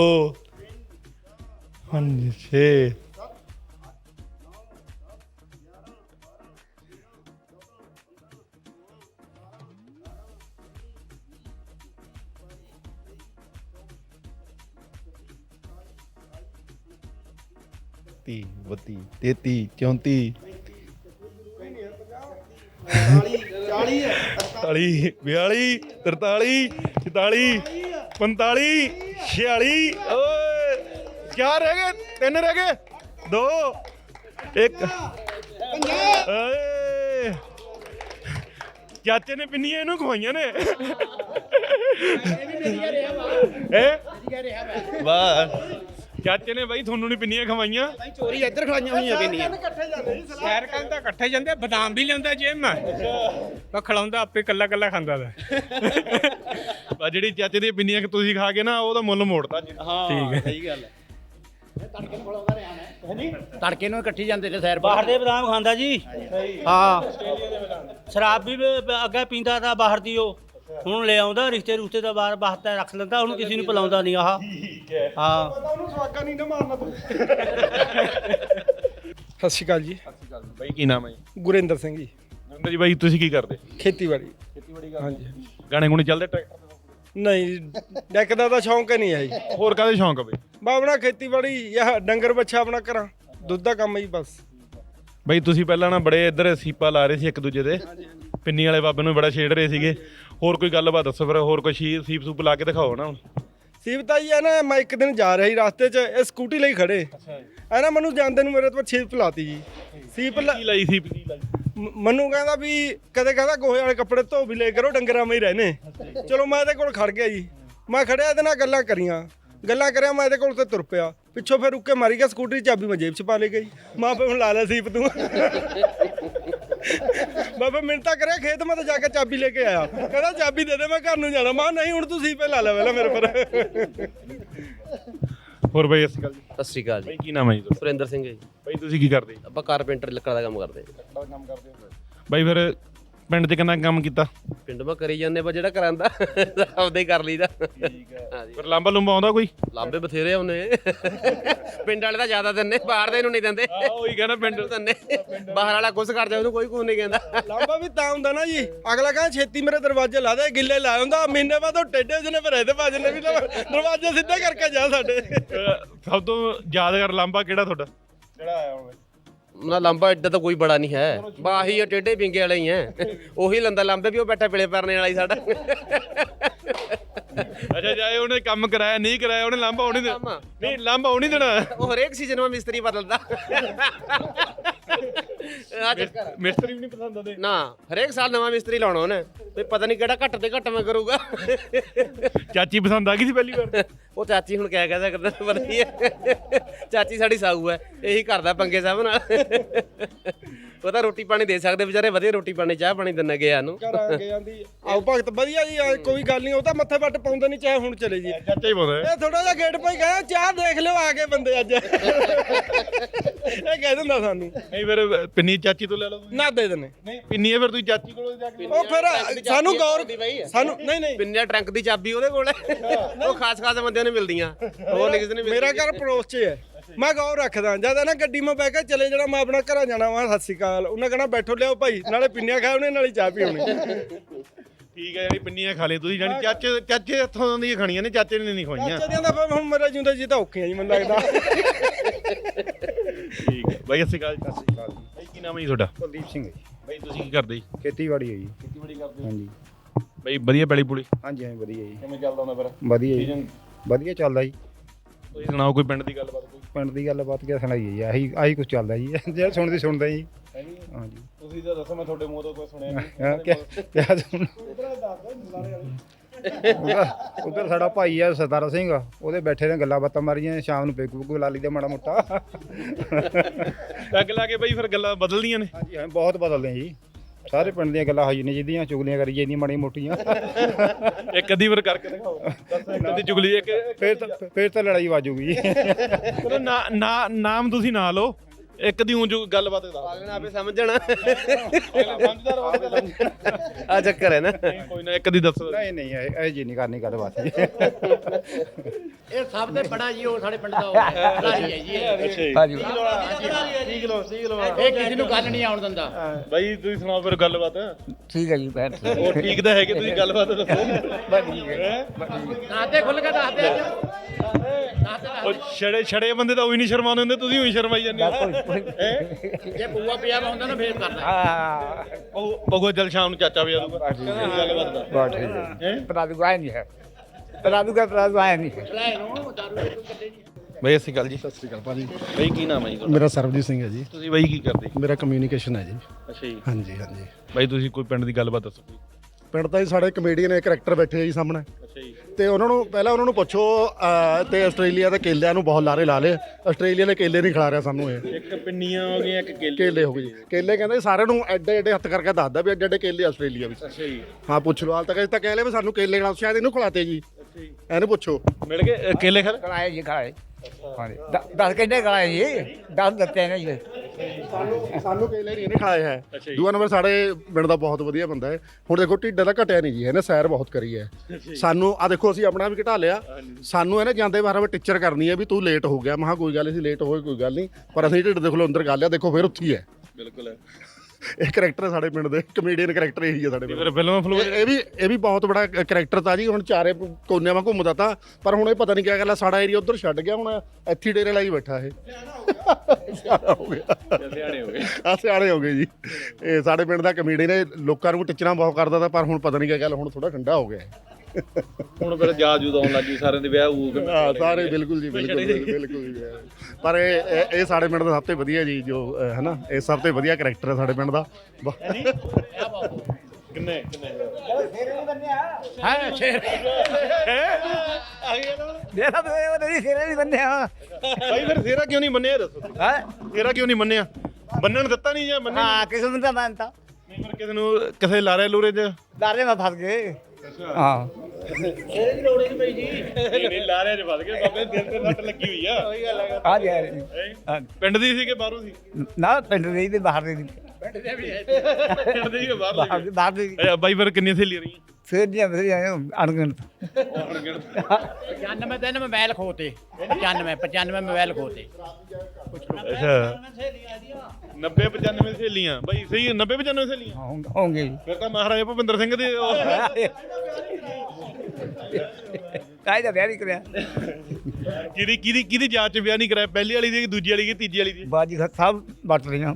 [SPEAKER 2] ਪੰਜ ਛੇ ਤੀਹ ਬੱਤੀ ਤੇਤੀ ਚੌਂਤੀ
[SPEAKER 6] ਚਾਲੀ ਹੈ
[SPEAKER 2] ਅੜਤਾਲੀ ਬਿਆਲੀ ਤਰਤਾਲੀ ਚੁਤਾਲੀ ਪੰਤਾਲੀ ਛਿਆਲੀ ਓਏ ਚਾਰ ਰਹਿ ਗਏ ਤਿੰਨ ਰਹਿ ਗਏ ਦੋ ਇੱਕ ਓਏ ਚਾਚੇ ਨੇ ਪਿੰਨੀਆਂ ਇਹਨੂੰ ਖਵਾਈਆਂ ਨੇ ਏ ਵਾਹ ਚਾਚੇ ਨੇ ਬਾਈ ਤੁਹਾਨੂੰ ਨਹੀਂ ਪਿੰਨੀਆਂ ਖਵਾਈਆਂ
[SPEAKER 6] ਚੋਰੀ ਇੱਧਰ ਖਲਾਈਆਂ ਹੋਈਆਂ ਪਿੰਨੀਆਂ
[SPEAKER 8] ਸੈਰ ਕਰਨ ਤਾਂ ਇਕੱਠੇ ਜਾਂਦੇ ਬਦਾਮ ਵੀ ਲਿਆਉਂਦਾ ਜਿਮ ਉਹ ਖਿਲਾਉਂਦਾ ਆਪੇ ਕੱਲਾ ਕੱਲਾ ਖਾਂਦਾ ਦਾ
[SPEAKER 2] ਆ ਜਿਹੜੀ ਚਾਚੇ ਦੀਆਂ ਪਿੰਨੀਆਂ ਕਿ ਤੁਸੀਂ ਖਾ ਕੇ ਨਾ ਉਹਦਾ ਮੁੱਲ ਮੋੜਤਾ
[SPEAKER 6] ਹਾਂ ਸਹੀ ਗੱਲ ਹੈ
[SPEAKER 3] ਤੜਕੇ ਨੂੰ ਇਕੱਠੀ ਜਾਂਦੇ ਤੇ ਸੈਰ
[SPEAKER 4] ਬਾਹਰ ਦੇ ਬਦਾਮ ਖਾਂਦਾ ਜੀ ਹਾਂ ਸ਼ਰਾਬ ਵੀ ਬ- ਬ- ਅੱਗੇ ਪੀਂਦਾ ਤਾਂ ਬਾਹਰ ਦੀ ਉਹ ਹੁਣ ਲੈ ਆਉਂਦਾ ਰਿਸ਼ਤੇ ਰੁਸ਼ਤੇ ਦਾ ਬਾਹਰ ਬਾਹਰ ਰੱਖ ਲੈਂਦਾ ਉਹਨੂੰ ਕਿਸੇ ਨੂੰ ਪਿਲਾਉਂਦਾ ਨਹੀਂ ਆਹ ਹਾਂ
[SPEAKER 7] ਉਹਨੂੰ ਸਵਾਗਾ ਨਹੀਂ ਨਾ ਮਾਰਨਾ ਤੂੰ ਸਤਿ ਸ਼੍ਰੀ ਅਕਾਲ ਜੀ
[SPEAKER 2] ਬਾਈ ਕੀ ਨਾਮ ਹੈ ਜੀ
[SPEAKER 7] ਗੁਰਿੰਦਰ ਸਿੰਘ ਜੀ
[SPEAKER 2] ਨਰਿੰਦਰ ਜੀ ਬਾਈ ਤੁਸੀਂ ਕੀ ਕਰਦੇ
[SPEAKER 7] ਖੇਤੀਬਾੜੀ
[SPEAKER 2] ਖੇਤੀਬਾੜੀ ਕਰਦੇ
[SPEAKER 7] ਹਾਂਜੀ
[SPEAKER 2] ਗਾਣੇ ਗੁਣੇ ਚੱਲਦੇ ਟਰੈਕਟਰ
[SPEAKER 7] ਨਹੀਂ ਡੈਕ ਦਾ ਤਾਂ ਸ਼ੌਂਕ ਹੀ ਨਹੀਂ ਹੈ ਜੀ
[SPEAKER 2] ਹੋਰ ਕਾਹਦੇ ਸ਼ੌਂਕ ਆ ਬਈ
[SPEAKER 7] ਬਾ ਆਪਣਾ ਖੇਤੀਬਾੜੀ ਜਾਂ ਡੰਗਰ ਬੱਛਾ ਆਪਣਾ ਕਰਾਂ ਦੁੱਧ ਦਾ ਕੰਮ ਹੈ ਜੀ ਬਸ
[SPEAKER 2] ਬਾਈ ਤੁਸੀਂ ਪਹਿਲਾਂ ਨਾ ਬੜੇ ਇੱਧਰ ਸੀਪਾ ਲਾ ਰਹੇ ਸੀ ਇੱਕ ਦੂਜੇ ਦੇ ਪਿੰਨੀ ਵਾਲੇ ਬਾਬੇ ਨੂੰ ਬੜਾ ਛੇੜ ਰਹੇ ਸੀਗੇ ਹੋਰ ਕੋਈ ਗੱਲਬਾਤ ਦੱਸੋ ਫਿਰ ਹੋਰ ਕੋਈ ਸ਼ੀ- ਸੀਪ ਸੂਪ ਲਾ ਕੇ ਦਿਖਾਓ ਨਾ ਹੁਣ
[SPEAKER 7] ਸੀਪਤਾ ਜੀ ਹੈ ਨਾ ਮੈਂ ਇੱਕ ਦਿਨ ਜਾ ਰਿਹਾ ਸੀ ਰਸਤੇ 'ਚ ਇਹ ਸਕੂਟੀ ਲਈ ਖੜੇ ਹੈ ਨਾ ਮੈਨੂੰ ਜਾਂਦੇ ਨੂੰ ਮੇਰੇ ਤੋਂ ਸੀਪ ਲਾਤੀ ਜੀ ਸੀਪ ਲ-
[SPEAKER 2] ਕੀ ਲਾਈ ਸੀਪ ਕੀ ਲਾਈ
[SPEAKER 7] ਮ- ਮੈਨੂੰ ਕਹਿੰਦਾ ਵੀ ਕਦੇ ਕਹਿੰਦਾ ਗੋਹੇ ਵਾਲੇ ਕੱਪੜੇ ਧੋ ਵੀ ਲੈ ਕਰੋ ਡੰਗਰਾਂ ਮੇ ਹੀ ਰਹਿਣੇ ਚਲੋ ਮੈਂ ਇਹਦੇ ਕੋਲ ਖੜ ਗਿਆ ਜੀ ਮੈਂ ਖੜਿਆ ਇਹਦੇ ਨਾਲ ਗੱਲਾਂ ਕਰੀਆਂ ਗੱਲਾਂ ਕਰਿਆ ਮੈਂ ਇਹਦੇ ਕੋਲ ਤੇ ਤੁਰ ਪਿਆ ਪਿੱਛੋਂ ਫਿਰ ਰੁੱਕ ਕੇ ਮਾਰੀ ਗਿਆ ਸਕੂਟਰੀ ਦੀ ਚਾਬੀ ਮੈਂ ਜੇਬ 'ਚ ਪਾ ਲਈ ਗਈ ਮਾਂ ਪਿਓ ਹੁਣ ਲਾ ਲਿਆ ਸੀਪ ਤੂੰ ਬਾਬਾ ਮਿੰਟ ਤਾਂ ਕਰਿਆ ਖੇਤ ਮੈਂ ਤਾਂ ਜਾ ਕੇ ਚਾਬੀ ਲੈ ਕੇ ਆਇਆ ਕਹਿੰਦਾ ਚਾਬੀ ਦੇ ਦੇ ਮੈਂ ਘਰ ਨੂੰ ਜਾਣਾ ਮੈਂ ਕਿਹਾ ਨਹੀਂ ਹੁਣ ਤੂੰ ਸੀਪੇ ਲਾ ਲੈ ਪਹਿਲਾਂ ਮੇਰੇ ਪਰ
[SPEAKER 2] ਹੋਰ ਬਾਈ ਸਤਿ ਸ਼੍ਰੀ ਅਕਾਲ ਜੀ
[SPEAKER 9] ਸਤਿ ਸ਼੍ਰੀ ਅਕਾਲ
[SPEAKER 2] ਬਾਈ
[SPEAKER 9] ਜੀ
[SPEAKER 2] ਕੀ ਨਾਮ ਹੈ ਜੀ ਤੁਹਾਡਾ
[SPEAKER 9] ਸੁਰਿੰਦਰ ਸਿੰਘ ਜੀ
[SPEAKER 2] ਬਾਈ ਤੁਸੀਂ ਕੀ ਕਰਦੇ
[SPEAKER 9] ਆਪਾਂ ਕਾਰਪੈਂਟਰ ਲੱਕੜ ਦਾ ਕੰਮ ਕਰਦੇ
[SPEAKER 2] ਕੰਮ ਕਰਦੇ ਹੋ ਬਾਈ ਫਿਰ ਪਿੰਡ 'ਚ ਕਿੰਨਾ ਕੰਮ ਕੀਤਾ
[SPEAKER 9] ਪਿੰਡ ਮਾ ਕਰੀ ਜਾਂਦੇ ਬਾ ਜਿਹੜਾ ਕਰਾਂਦਾ ਆਪਦੇ ਹੀ ਕਰ ਲਈਦਾ ਹਾਂਜੀ
[SPEAKER 2] ਫਿਰ ਲਾਂਬਾ ਲੁੰਬਾ ਆਉਂਦਾ ਕੋਈ
[SPEAKER 9] ਲਾਂਬੇ ਬਥੇਰੇ ਆਉਨੇ ਪਿੰਡ ਵਾਲੇ ਤਾਂ ਜ਼ਿਆਦਾ ਦਿੰਦੇ ਬਾਹਰ ਦੇ ਨੂੰ ਨਹੀਂ ਦਿੰਦੇ
[SPEAKER 2] ਆ ਉਹੀ ਕਹਿੰਦਾ ਪਿੰਡ
[SPEAKER 9] ਦਿੰਦੇ ਬਾਹਰ ਵਾਲਾ ਕੁਛ ਕਰ ਜਾ ਉਹਨੂੰ ਕੋਈ ਕੁਝ ਨਹੀਂ ਕਹਿੰਦਾ
[SPEAKER 7] ਲਾਂਬਾ ਵੀ ਤਾਂ ਹੁੰਦਾ ਨਾ ਜੀ ਅਗਲਾ ਕਹਿੰਦਾ ਛੇਤੀ ਮੇਰੇ ਦਰਵਾਜ਼ੇ ਲਾ ਦੇ ਗਿੱਲੇ ਲਾ ਹੁੰਦਾ ਮਹੀਨੇ ਬਾਅਦ ਉਹ ਟੇਡੇ ਜਿਹਨੇ ਫਿਰ ਇਹਦੇ ਭਾਜਨੇ ਵੀ ਤਾਂ ਦਰਵਾਜ਼ੇ ਸਿੱਧੇ ਕਰਕੇ ਜਾ ਸਾਡੇ
[SPEAKER 2] ਅਹ ਸਭ ਤੋਂ ਯਾਦਗਾਰ ਲਾਂਬਾ ਕਿਹੜਾ ਤੁਹਾਡਾ ਜਿਹੜਾ ਆਇਆ ਹੋਵੇ
[SPEAKER 9] ਨਾ ਲਾਂਬਾ ਏਡਾ ਤਾਂ ਕੋਈ ਬੜਾ ਨਹੀਂ ਹੈ ਬਾਹੀ ਉਹ ਟੇਢੇ ਪਿੰਗੇ ਵਾਲੇ ਹੀ ਹੈ ਉਹੀ ਲੰਦਾ ਲਾਂਬੇ ਵੀ ਉਹ ਬੈਠਾ ਪਿਲੇ ਪਰਨੇ ਵਾਲਾ ਹੀ ਸਾਡਾ
[SPEAKER 2] ਅੱਛਾ ਜਾਏ ਉਹਨੇ ਕੰਮ ਕਰਾਇਆ ਨਹੀਂ ਕਰਾਇਆ ਉਹਨੇ ਲਾਂਬਾ ਉਹ ਨਹੀਂ ਦੇਣਾ ਨਹੀਂ ਲਾਂਬਾ ਉਹ ਨਹੀਂ ਦੇਣਾ
[SPEAKER 9] ਉਹ ਹਰੇਕ ਸੀਜ਼ਨ ਵਿੱਚ ਮਿਸਤਰੀ ਬਦਲਦਾ ਆ ਚੱਕਰ
[SPEAKER 2] ਮਿਸਤਰੀ ਵੀ ਨਹੀਂ ਪਸੰਦ ਆਉਂਦੇ
[SPEAKER 9] ਨਾ ਹਰੇਕ ਸਾਲ ਨਵਾਂ ਮਿਸਤਰੀ ਲਾਉਣਾ ਉਹਨੇ ਵੀ ਪਤਾ ਨਹੀਂ ਕਿਹੜਾ ਘੱਟ ਤੇ ਘੱਟ ਮੈਂ ਕਰੂਗਾ
[SPEAKER 2] ਚਾਚੀ ਪਸੰਦ ਆ ਗਈ ਸੀ ਪਹਿਲੀ ਵਾਰ
[SPEAKER 9] ਉਹ ਚਾਚੀ ਹੁਣ ਕਹਿ ਕਹਿ ਸਕਦਾ ਪਤਾ ਨਹੀਂ ਹੈ ਚਾਚੀ ਸਾਡੀ ਸਾਊ ਹੈ ਇਹੀ ਕਰਦਾ ਪੰਗੇ ਸਭ ਨਾਲ ਉਹ ਤਾਂ ਰੋਟੀ ਪਾਣੀ ਦੇ ਸਕਦੇ ਵਿਚਾਰੇ ਵਧੀਆ ਰੋਟੀ ਪਾਣੀ ਚਾਹ ਪਾਣੀ ਦਿੰਨਾ ਗਿਆ ਨੂੰ
[SPEAKER 7] ਕਰਾਂਗੇ ਜਾਂਦੀ ਆਓ ਭਗਤ ਵਧੀਆ ਜੀ ਆ, ਕੋਈ ਗੱਲ ਨਹੀਂ ਉਹ ਤਾਂ ਮੱਥੇ ਵੱਟ ਪਾਉਂਦੇ ਨਹੀਂ ਚਾਹੇ ਹੁਣ ਚਲੇ ਜੀ
[SPEAKER 2] ਚਾਚਾ ਹੀ ਪਾਉਂਦਾ
[SPEAKER 7] ਇਹ ਥੋੜਾ ਜਿਹਾ ਗੇਟ ਪਾਈ ਗਿਆ ਚਾਹ ਦੇਖ ਲਿਓ ਆ ਕੇ ਬੰਦੇ ਅੱਜ ਇਹ ਕਹਿ ਦਿੰਦਾ ਸਾਨੂੰ
[SPEAKER 2] ਨਹੀਂ ਫਿਰ ਪਿੰਨੀ ਚਾਚੀ ਤੋਂ ਲੈ ਲਓ
[SPEAKER 7] ਨਾ ਦੇ ਦਿੰਨੇ
[SPEAKER 2] ਨਹੀਂ ਪਿੰਨੀ ਹੈ ਫਿਰ ਤੁਸੀਂ ਚਾਚੀ ਕੋਲੋਂ ਜਾ ਕੇ
[SPEAKER 7] ਉਹ ਫਿਰ ਸਾਨੂੰ ਗੌਰ ਸਾਨੂੰ ਨਹੀਂ ਨਹੀਂ
[SPEAKER 9] ਪਿੰਨਿਆ ਟਰੰਕ ਦੀ ਚਾਬੀ ਉਹਦੇ ਕੋਲ ਹੈ ਉਹ ਖਾਸ ਖਾਸ ਬੰਦਿਆਂ ਨੂੰ ਮਿਲਦੀਆਂ ਹੋਰ ਨਹੀਂ ਕਿਸੇ ਨੇ
[SPEAKER 7] ਮੇਰਾ ਘਰ ਪੜੋਸ 'ਚ ਹੈ ਮੈਂ ਗੌਰ ਰੱਖਦਾ ਜਦ ਨਾ ਗੱਡੀ ਮੈਂ ਬਹਿ ਕੇ ਚਲੇ ਜਾਣਾ ਮੈਂ ਆਪਣਾ ਘਰਾਂ ਜਾਣਾ ਵਾ ਸਤਿ ਸ਼੍ਰੀ ਅਕਾਲ ਉਹਨਾਂ ਕਹਿਣਾ ਬੈਠੋ ਲਿਆਓ ਭਾਈ ਨਾਲੇ ਪਿੰਨੀਆਂ ਖਾਓ ਨੇ ਨਾਲੇ ਚਾਹ ਪੀਉਣੀ
[SPEAKER 2] ਠੀਕ ਹੈ ਜਿਹੜੀ ਪਿੰਨੀਆਂ ਖਾ ਲਈ ਤੁਸੀਂ ਜਾਨੀ ਚਾਚੇ ਚਾਚੇ ਹੱਥੋਂ ਦੀਆਂ ਖਾਣੀਆਂ ਨੇ ਚਾਚੇ ਨੇ ਨਹੀਂ ਖਵਾਈਆਂ
[SPEAKER 7] ਚਾਚੇ ਦੀਆਂ ਤਾਂ ਫਿਰ ਹੁਣ ਮੇਰਾ ਜਿਉਂਦਾ ਜੀ ਤਾਂ ਔਖੀਆਂ ਜੀ ਮੈਨੂੰ ਲੱਗਦਾ
[SPEAKER 2] ਠੀਕ ਹੈ ਬਾਈ ਸਤਿ ਸ਼੍ਰੀ ਅਕਾਲ ਸਤਿ ਸ਼੍ਰੀ ਅਕਾਲ ਬਾਈ ਕੀ ਨਾਮ ਹੈ ਜੀ ਤੁਹਾਡਾ
[SPEAKER 5] ਕੁਲਦੀਪ ਸਿੰਘ ਜੀ
[SPEAKER 2] ਬਾਈ ਤੁਸੀਂ ਕੀ ਕਰਦੇ ਜੀ
[SPEAKER 5] ਖੇਤੀਬਾੜੀ ਹੈ ਜੀ
[SPEAKER 2] ਖੇਤੀਬਾੜੀ ਕਰਦੇ
[SPEAKER 5] ਹਾਂਜੀ
[SPEAKER 2] ਬਾਈ ਵਧੀਆ ਪੈਲੀ ਪੂਲੀ
[SPEAKER 5] ਹਾਂਜੀ ਹਾਂਜੀ ਵਧੀਆ ਜੀ
[SPEAKER 2] ਕਿਵੇਂ ਚੱਲਦਾ ਹੁੰਦਾ ਫਿਰ
[SPEAKER 5] ਵਧੀਆ ਜੀ ਵਧੀਆ ਚੱਲਦਾ ਜੀ
[SPEAKER 2] ਤੁਸੀਂ ਸੁਣਾਓ ਕੋਈ ਪਿੰਡ ਦੀ ਗੱਲਬਾਤ ਕੋਈ
[SPEAKER 5] ਪਿੰਡ ਦੀ ਗੱਲਬਾਤ ਕਿਆ ਸੁਣਾਈਏ ਜੀ ਆਹੀ ਆਹੀ ਕੁਝ ਚੱਲਦਾ ਜੀ ਜਿਹੜਾ ਸੁਣਦੇ ਸੁਣਦਾ ਜੀ ਹਾਂਜੀ
[SPEAKER 2] ਤੁਸੀਂ ਤਾਂ ਦੱਸੋ ਮੈਂ ਤੁਹਾਡੇ ਮੂੰਹ ਤੋਂ ਕੋਈ ਸੁਣਿਆ
[SPEAKER 5] ਹਾਂ ਕਿਆ ਕਿਆ ਸੁਣ ਉਧਰ ਸਾਡਾ ਭਾਈ ਆ ਸਰਦਾਰ ਸਿੰਘ ਉਹਦੇ ਬੈਠੇ ਨੇ ਗੱਲਾਂ ਬਾਤਾਂ ਮਾਰੀਆਂ ਸ਼ਾਮ ਨੂੰ ਪੈਗ ਪੁਗ ਲਾ ਲਈਦਾ ਮਾੜਾ ਮੋਟਾ
[SPEAKER 2] ਪੈਗ ਲਾ ਕੇ ਬਾਈ ਫਿਰ ਗੱਲਾਂ ਬਦਲਦੀਆਂ ਨੇ
[SPEAKER 5] ਹਾਂਜੀ ਹਾਂ ਬਹੁਤ ਬਦਲਦੇ ਆ ਜੀ ਸਾਰੇ ਪਿੰਡ ਦੀਆਂ ਗੱਲਾਂ ਹੋਈ ਨੇ ਜਿਹਦੀਆਂ ਚੁਗਲੀਆਂ ਕਰੀ ਜਾਂਦੀਆਂ ਮਾੜੀਆਂ ਮੋਟੀਆਂ।
[SPEAKER 2] ਇੱਕ ਅੱਧੀ ਵਾਰ ਕਰਕੇ ਦਿਖਾਓ ਇੱਕ ਅੱਧੀ ਚੁਗਲੀ ਇੱਕ
[SPEAKER 5] ਫਿਰ ਤਾਂ ਫਿਰ ਤਾਂ ਲੜਾਈ ਵਾਜੂਗੀ।
[SPEAKER 2] ਚਲੋ ਨਾ ਨਾ ਨਾਮ ਤੁਸੀਂ ਨਾ ਲਓ, ਇੱਕ ਦੀ ਉਂਝ ਗੱਲਬਾਤ ਦੱਸ
[SPEAKER 9] ਅਗਲੇ ਆਪੇ ਸਮਝਣਾ
[SPEAKER 2] ਸਮਝਦਾਰ
[SPEAKER 9] ਆ ਚੱਕਰ ਹੈ ਨਾ।
[SPEAKER 2] ਕੋਈ ਨਾ ਇੱਕ ਦੀ ਦੱਸੋ।
[SPEAKER 5] ਨਹੀਂ ਨਹੀਂ ਇਹ ਇਹ ਜੀ ਨਹੀਂ ਕਰਨੀ ਗੱਲਬਾਤ ਜੀ।
[SPEAKER 3] ਇਹ ਸਭ ਤੋਂ ਬੜਾ ਜੀ ਉਹ ਸਾਡੇ ਪਿੰਡ ਦਾ ਖਿਡਾਰੀ ਹੈ ਜੀ ਇਹ।
[SPEAKER 2] ਹਾਂਜੀ
[SPEAKER 3] ਇਹ ਕਿਸੇ ਨੂੰ ਗੱਲ ਨਹੀਂ ਆਉਣ ਦਿੰਦਾ।
[SPEAKER 2] ਬਾਈ ਤੁਸੀਂ ਸੁਣਾਓ ਫਿਰ ਗੱਲਬਾਤ।
[SPEAKER 10] ਠੀਕ ਹੈ ਜੀ ਬੈਠ
[SPEAKER 2] ਉਹ ਠੀਕ ਤਾਂ ਹੈਗੇ, ਤੁਸੀਂ ਗੱਲਬਾਤ ਦੱਸੋ।
[SPEAKER 3] ਦੱਸਦੇ ਖੁੱਲ ਕੇ ਦੱਸਦੇ ਅੱਜ।
[SPEAKER 2] ਉਹ ਛੜੇ ਛੜੇ ਬੰਦੇ ਤਾਂ ਉਹੀ ਨਹੀਂ ਸ਼ਰਮਾਉਂਦੇ ਹੁੰਦੇ, ਤੁਸੀਂ ਉਹੀ ਸ਼ਰਮਾਈ ਜਾਂਦੇ ਹੋ।
[SPEAKER 3] ਜੇ ਪੂਆ ਪਿਆਵਾ ਹੁੰਦਾ ਨਾ ਫੇਰ ਕਰਦਾ।
[SPEAKER 10] ਹਾਂ
[SPEAKER 2] ਉਹ ਬਗੋ ਜਲ ਸ਼ਾਮ ਨੂੰ ਚਾਚਾ ਵਜਾ ਦੂਗਾ ਗੱਲਬਾਤ ਦਾ।
[SPEAKER 10] ਬਹੁਤ ਠੀਕ ਹੈ। ਪਤਾ ਵੀ ਆਇਆ ਨਹੀਂ ਹੈ, ਪਤਾ ਵੀ ਪਤਾ ਵੀ ਆਇਆ ਨਹੀਂ ਹੈ।
[SPEAKER 3] ਲੈ ਨੂੰ ਦਾਰੂ ਦੇ ਕੱਢੇ ਜੀ।
[SPEAKER 2] ਬਾਈ ਸਤਿ ਸ਼੍ਰੀ ਅਕਾਲ ਜੀ।
[SPEAKER 11] ਸਤਿ ਸ੍ਰੀ ਅਕਾਲ ਭਾਜੀ।
[SPEAKER 2] ਬਾਈ ਕੀ ਨਾਮ ਹੈ ਜੀ ਤੁਹਾਡਾ?
[SPEAKER 11] ਮੇਰਾ ਸਰਬਜੀਤ ਸਿੰਘ ਹੈ ਜੀ।
[SPEAKER 2] ਤੁਸੀਂ ਬਾਈ ਕੀ ਕਰਦੇ?
[SPEAKER 11] ਮੇਰਾ ਕਮਿਊਨੀਕੇਸ਼ਨ ਹੈ ਜੀ।
[SPEAKER 2] ਅੱਛਾ ਜੀ।
[SPEAKER 11] ਹਾਂਜੀ ਹਾਂਜੀ।
[SPEAKER 2] ਬਾਈ ਤੁਸੀਂ ਕੋਈ ਪਿੰਡ ਦੀ ਗੱਲਬਾਤ ਦੱਸੋ।
[SPEAKER 11] ਪਿੰਡ ਤਾਂ ਜੀ ਸਾਡੇ ਕਮੇਡੀਅਨ ਕਰੈਕਟਰ ਬੈਠੇ ਆ ਜੀ ਸਾਹਮਣੇ,
[SPEAKER 2] ਅੱਛਾ ਜੀ।
[SPEAKER 11] ਤੇ ਉਹਨਾਂ ਨੂੰ ਪਹਿਲਾਂ ਉਹਨਾਂ ਨੂੰ ਪੁੱਛੋ ਅਹ, ਤੇ ਆਸਟ੍ਰੇਲੀਆ ਦੇ ਕੇਲਿਆਂ ਨੂੰ ਬਹੁਤ ਲਾਰੇ ਲਾ ਲਏ। ਆਸਟ੍ਰੇਲੀਆ ਦੇ ਕੇਲੇ ਨਹੀਂ ਖਿਲਾ ਰਿਹਾ ਸਾਨੂੰ ਇਹ।
[SPEAKER 2] ਇੱਕ ਪਿੰਨੀਆਂ ਹੋ ਗਈਆਂ, ਇੱਕ ਕੇਲੇ।
[SPEAKER 11] ਕੇਲੇ ਹੋ ਗਏ ਜੀ। ਕੇਲੇ ਕਹਿੰਦੇ ਸਾਰਿਆਂ ਨੂੰ ਐਡੇ ਐਡੇ ਹੱਥ ਕਰਕੇ ਦੱਸਦਾ ਵੀ ਐਡੇ ਐਡੇ ਕੇਲੇ ਆਸਟ੍ਰੇਲੀਆ ਵਿੱਚ।
[SPEAKER 2] ਅੱਛਾ ਜੀ।
[SPEAKER 11] ਹਾਂ ਪੁੱਛ ਲਓ, ਹਾਲ ਤੱਕ ਅਜੇ ਤਾਂ ਕਹਿ ਲਿਆ ਵੀ ਸਾਨੂੰ ਕੇਲੇ ਨਾਲ ਸ਼ਾਇਦ ਇਹਨੂੰ ਖਿਲਾਤੇ ਜੀ। ਇਹਨੂੰ ਪੁੱਛੋ।
[SPEAKER 2] ਮਿਲ ਗਏ ਅ, ਕੇਲੇ ਖਾ
[SPEAKER 10] ਕਰਾਏ ਜੀ ਕਰਾਏ। ਹਾਂਜੀ ਦਸ ਕਿੰਨੇ ਕਰਾਏ ਜੀ? ਦਸ ਦਿੱਤੇ ਨੇ ਜੀ।
[SPEAKER 11] ਸਾਨੂੰ ਸਾਨੂੰ ਕੇਲੇ ਨਹੀਂ ਇਹਨੇ ਖਿਲਾਏ ਹੈ।
[SPEAKER 2] ਅੱਛਾ ਜੀ।
[SPEAKER 11] ਦੂਆ ਨੰਬਰ ਸਾਡੇ ਪਿੰਡ ਦਾ ਬਹੁਤ ਵਧੀਆ ਬੰਦਾ ਹੈ। ਹੁਣ ਦੇਖੋ ਢਿੱਡ ਦਾ ਘਟਿਆ ਨਹੀਂ ਜੀ, ਇਹਨੇ ਸੈਰ ਬਹੁਤ ਕਰੀ ਹੈ। ਸਾਨੂੰ ਆ ਦੇਖੋ ਅਸੀਂ ਆਪਣਾ ਵੀ ਘਟਾ ਲਿਆ। ਸਾਨੂੰ ਇਹਨੇ ਜਾਂਦੇ ਵਾਰ ਵਾਰ ਟੀਚਰ ਕਰਨੀ ਹੈ ਵੀ ਤੂੰ ਲੇਟ ਹੋ ਗਿਆ। ਮੈਂ ਕਿਹਾ ਕੋਈ ਗੱਲ ਨਹੀਂ, ਲੇਟ ਹੋਏ ਕੋਈ ਗੱਲ ਨਹੀਂ, ਪਰ ਅਸੀਂ ਢਿੱਡ ਦੇਖ ਲਓ ਅੰਦਰ ਕਰ ਲਿਆ। ਦੇਖੋ ਫਿਰ ਉੱਥੇ ਹੀ ਹੈ।
[SPEAKER 2] ਬਿਲਕੁਲ।
[SPEAKER 11] ਇਹ ਕਰੈਕਟਰ ਸਾਡੇ ਪਿੰਡ ਦੇ ਕਮੇਡੀਅਨ ਕਰੈਕਟਰ ਇਹੀ ਹੈ ਸਾਡੇ ਪਿੰਡ।
[SPEAKER 2] ਫਿਰ ਫਿਲਮ ਫਲੂ
[SPEAKER 11] ਇਹ ਇਹ ਵੀ ਇਹ ਵੀ ਬਹੁਤ ਬੜਾ ਕਰੈਕਟਰ ਤਾਂ ਜੀ। ਹੁਣ ਚਾਰੇ ਕੋਨਿਆਂ ਵਾਂ ਘੁੰਮਦਾ ਤਾਂ, ਪਰ ਹੁਣ ਇਹ ਪਤਾ ਨਹੀਂ ਕਿਆ ਗੱਲ ਆ, ਸਾਡਾ ਏਰੀਆ ਉਧਰ ਛੱਡ ਗਿਆ, ਹੁਣ ਇੱਥੇ ਹੀ ਡੇਰੇ ਲਾਈ ਬੈਠਾ ਇਹ। ਸਿਆਣਾ ਹੋ ਗਿਆ।
[SPEAKER 2] ਸਿਆਣੇ ਹੋ ਗਏ।
[SPEAKER 11] ਆ ਸਿਆਣੇ ਹੋ ਗਏ ਜੀ। ਇਹ ਸਾਡੇ ਪਿੰਡ ਦਾ ਕਮੇਡੀਅਨ ਹੈ, ਲੋਕਾਂ ਨੂੰ ਟਿਚਰਾਂ ਬਹੁਤ ਕਰਦਾ ਤਾ, ਪਰ ਹੁਣ ਪਤਾ ਨਹੀਂ ਕਿਆ ਗੱਲ, ਹੁਣ ਥੋੜਾ ਠੰਡਾ ਹੋ ਗਿਆ ਹੈ।
[SPEAKER 2] ਹੁਣ ਫਿਰ ਯਾਦ ਜੂਦ ਆਉਣ ਲੱਗੀ ਸਾਰਿਆਂ ਦੇ ਵਿਆਹ ਹੋਊ।
[SPEAKER 11] ਹਾਂ ਸਾਰੇ ਬਿਲਕੁਲ ਜੀ, ਬਿਲਕੁਲ ਬਿਲਕੁਲ ਜੀ। ਪਰ ਇਹ ਇਹ- ਇਹ ਸਾਡੇ ਪਿੰਡ ਦਾ ਸਭ ਤੋਂ ਵਧੀਆ ਜੀ, ਜੋ ਅਹ, ਹੈ ਨਾ, ਇਹ ਸਭ ਤੋਂ ਵਧੀਆ ਕਰੈਕਟਰ ਹੈ ਸਾਡੇ ਪਿੰਡ ਦਾ।
[SPEAKER 2] ਕਿੰਨੇ ਕਿੰਨੇ
[SPEAKER 3] ਹਾਂ ਸ਼ੇਰ
[SPEAKER 10] ਦੇਰਾ ਉਹ ਨਹੀਂ ਸਿਰੇ ਨਹੀਂ ਬੰਨਿਆ।
[SPEAKER 2] ਬਾਈ ਫਿਰ ਤੇਰਾ ਕਿਉਂ ਨਹੀਂ ਮੰਨਿਆ ਦੱਸੋ।
[SPEAKER 10] ਹੈ
[SPEAKER 2] ਤੇਰਾ ਕਿਉਂ ਨਹੀਂ ਮੰਨਿਆ? ਬੰਨਣ ਦਿੱਤਾ ਨਹੀਂ ਜਾਂ ਮੰਨਿਆ
[SPEAKER 10] ਹਾਂ ਕਿਸੇ ਨੂੰ ਤਾਂ ਮੰਨਤਾ
[SPEAKER 2] ਨਹੀਂ? ਫਿਰ ਕਿਸੇ ਨੂੰ ਕਿਸੇ ਲਾਰੇ ਲੂਰੇ ਚ
[SPEAKER 10] ਦਾਰੇ ਮੈਂ ਫਸ ਗਏ। ਹਾਂ
[SPEAKER 2] ਨਹੀਂ ਨਹੀਂ ਲਾਰੇ ਚ ਫਸ ਗਏ। ਬਾਬੇ ਦਿਲ ਤੇ ਸੱਟ ਲੱਗੀ ਹੋਈ ਆ। ਉਹੀ ਗੱਲ ਹੈ।
[SPEAKER 10] ਆ ਗਿਆ
[SPEAKER 2] ਪਿੰਡ ਦੀ ਸੀ ਕਿ ਬਾਹਰੋਂ ਸੀ?
[SPEAKER 10] ਨਾ ਪਿੰਡ ਦੇ ਤੇ ਬਾਹਰ ਦੇ
[SPEAKER 2] ਪਿੰਡ ਦੀ ਸੀ ਕਿ ਬਾਹਰ ਦੀ?
[SPEAKER 10] ਬਾਹਰ ਦੇ
[SPEAKER 2] ਅੱਛਾ ਬਾਈ ਫਿਰ ਕਿੰਨੀਆਂ ਸਹੇਲੀਆਂ ਰਹੀਆਂ?
[SPEAKER 10] ਫਿਰ ਦੀਆਂ ਫਿਰ ਅਣਗਿਣਤ।
[SPEAKER 3] ਪਚਾਨਵੇਂ ਦਿਨ ਮੋਬਾਈਲ ਖੋਤੇ। ਪਚਾਨਵੇਂ ਪਚਾਨਵੇਂ ਮੋਬਾਈਲ ਖੋਤੇ।
[SPEAKER 2] ਅੱਛਾ ਨੱਬੇ ਪਚਾਨਵੇਂ ਸਹੇਲੀਆਂ। ਬਾਈ ਸਹੀ ਨੱਬੇ ਪਚਾਨਵੇਂ ਸਹੇਲੀਆਂ
[SPEAKER 10] ਹੋਣਗੇ ਜੀ।
[SPEAKER 2] ਫਿਰ ਤਾਂ ਮਹਾਰਾਜਾ ਭੁਪਿੰਦਰ ਸਿੰਘ ਦੇ ਉਹ
[SPEAKER 10] ਕਾਇਦਾ ਵਿਆਹ ਨਹੀਂ ਕਰਿਆ।
[SPEAKER 2] ਕਿਹਦੀ ਕਿਹਦੀ ਕਿਹਦੀ ਜਾਂਚ ਵਿਆਹ ਨਹੀਂ ਕਰਾਇਆ? ਪਹਿਲੀ ਵਾਲੀ ਦੀ ਕਿ ਦੂਜੀ ਵਾਲੀ ਦੀ ਤੀਜੀ ਵਾਲੀ ਦੀ?
[SPEAKER 10] ਬਾਜੀ ਸਭ ਵੱਟ ਰਹੀਆਂ।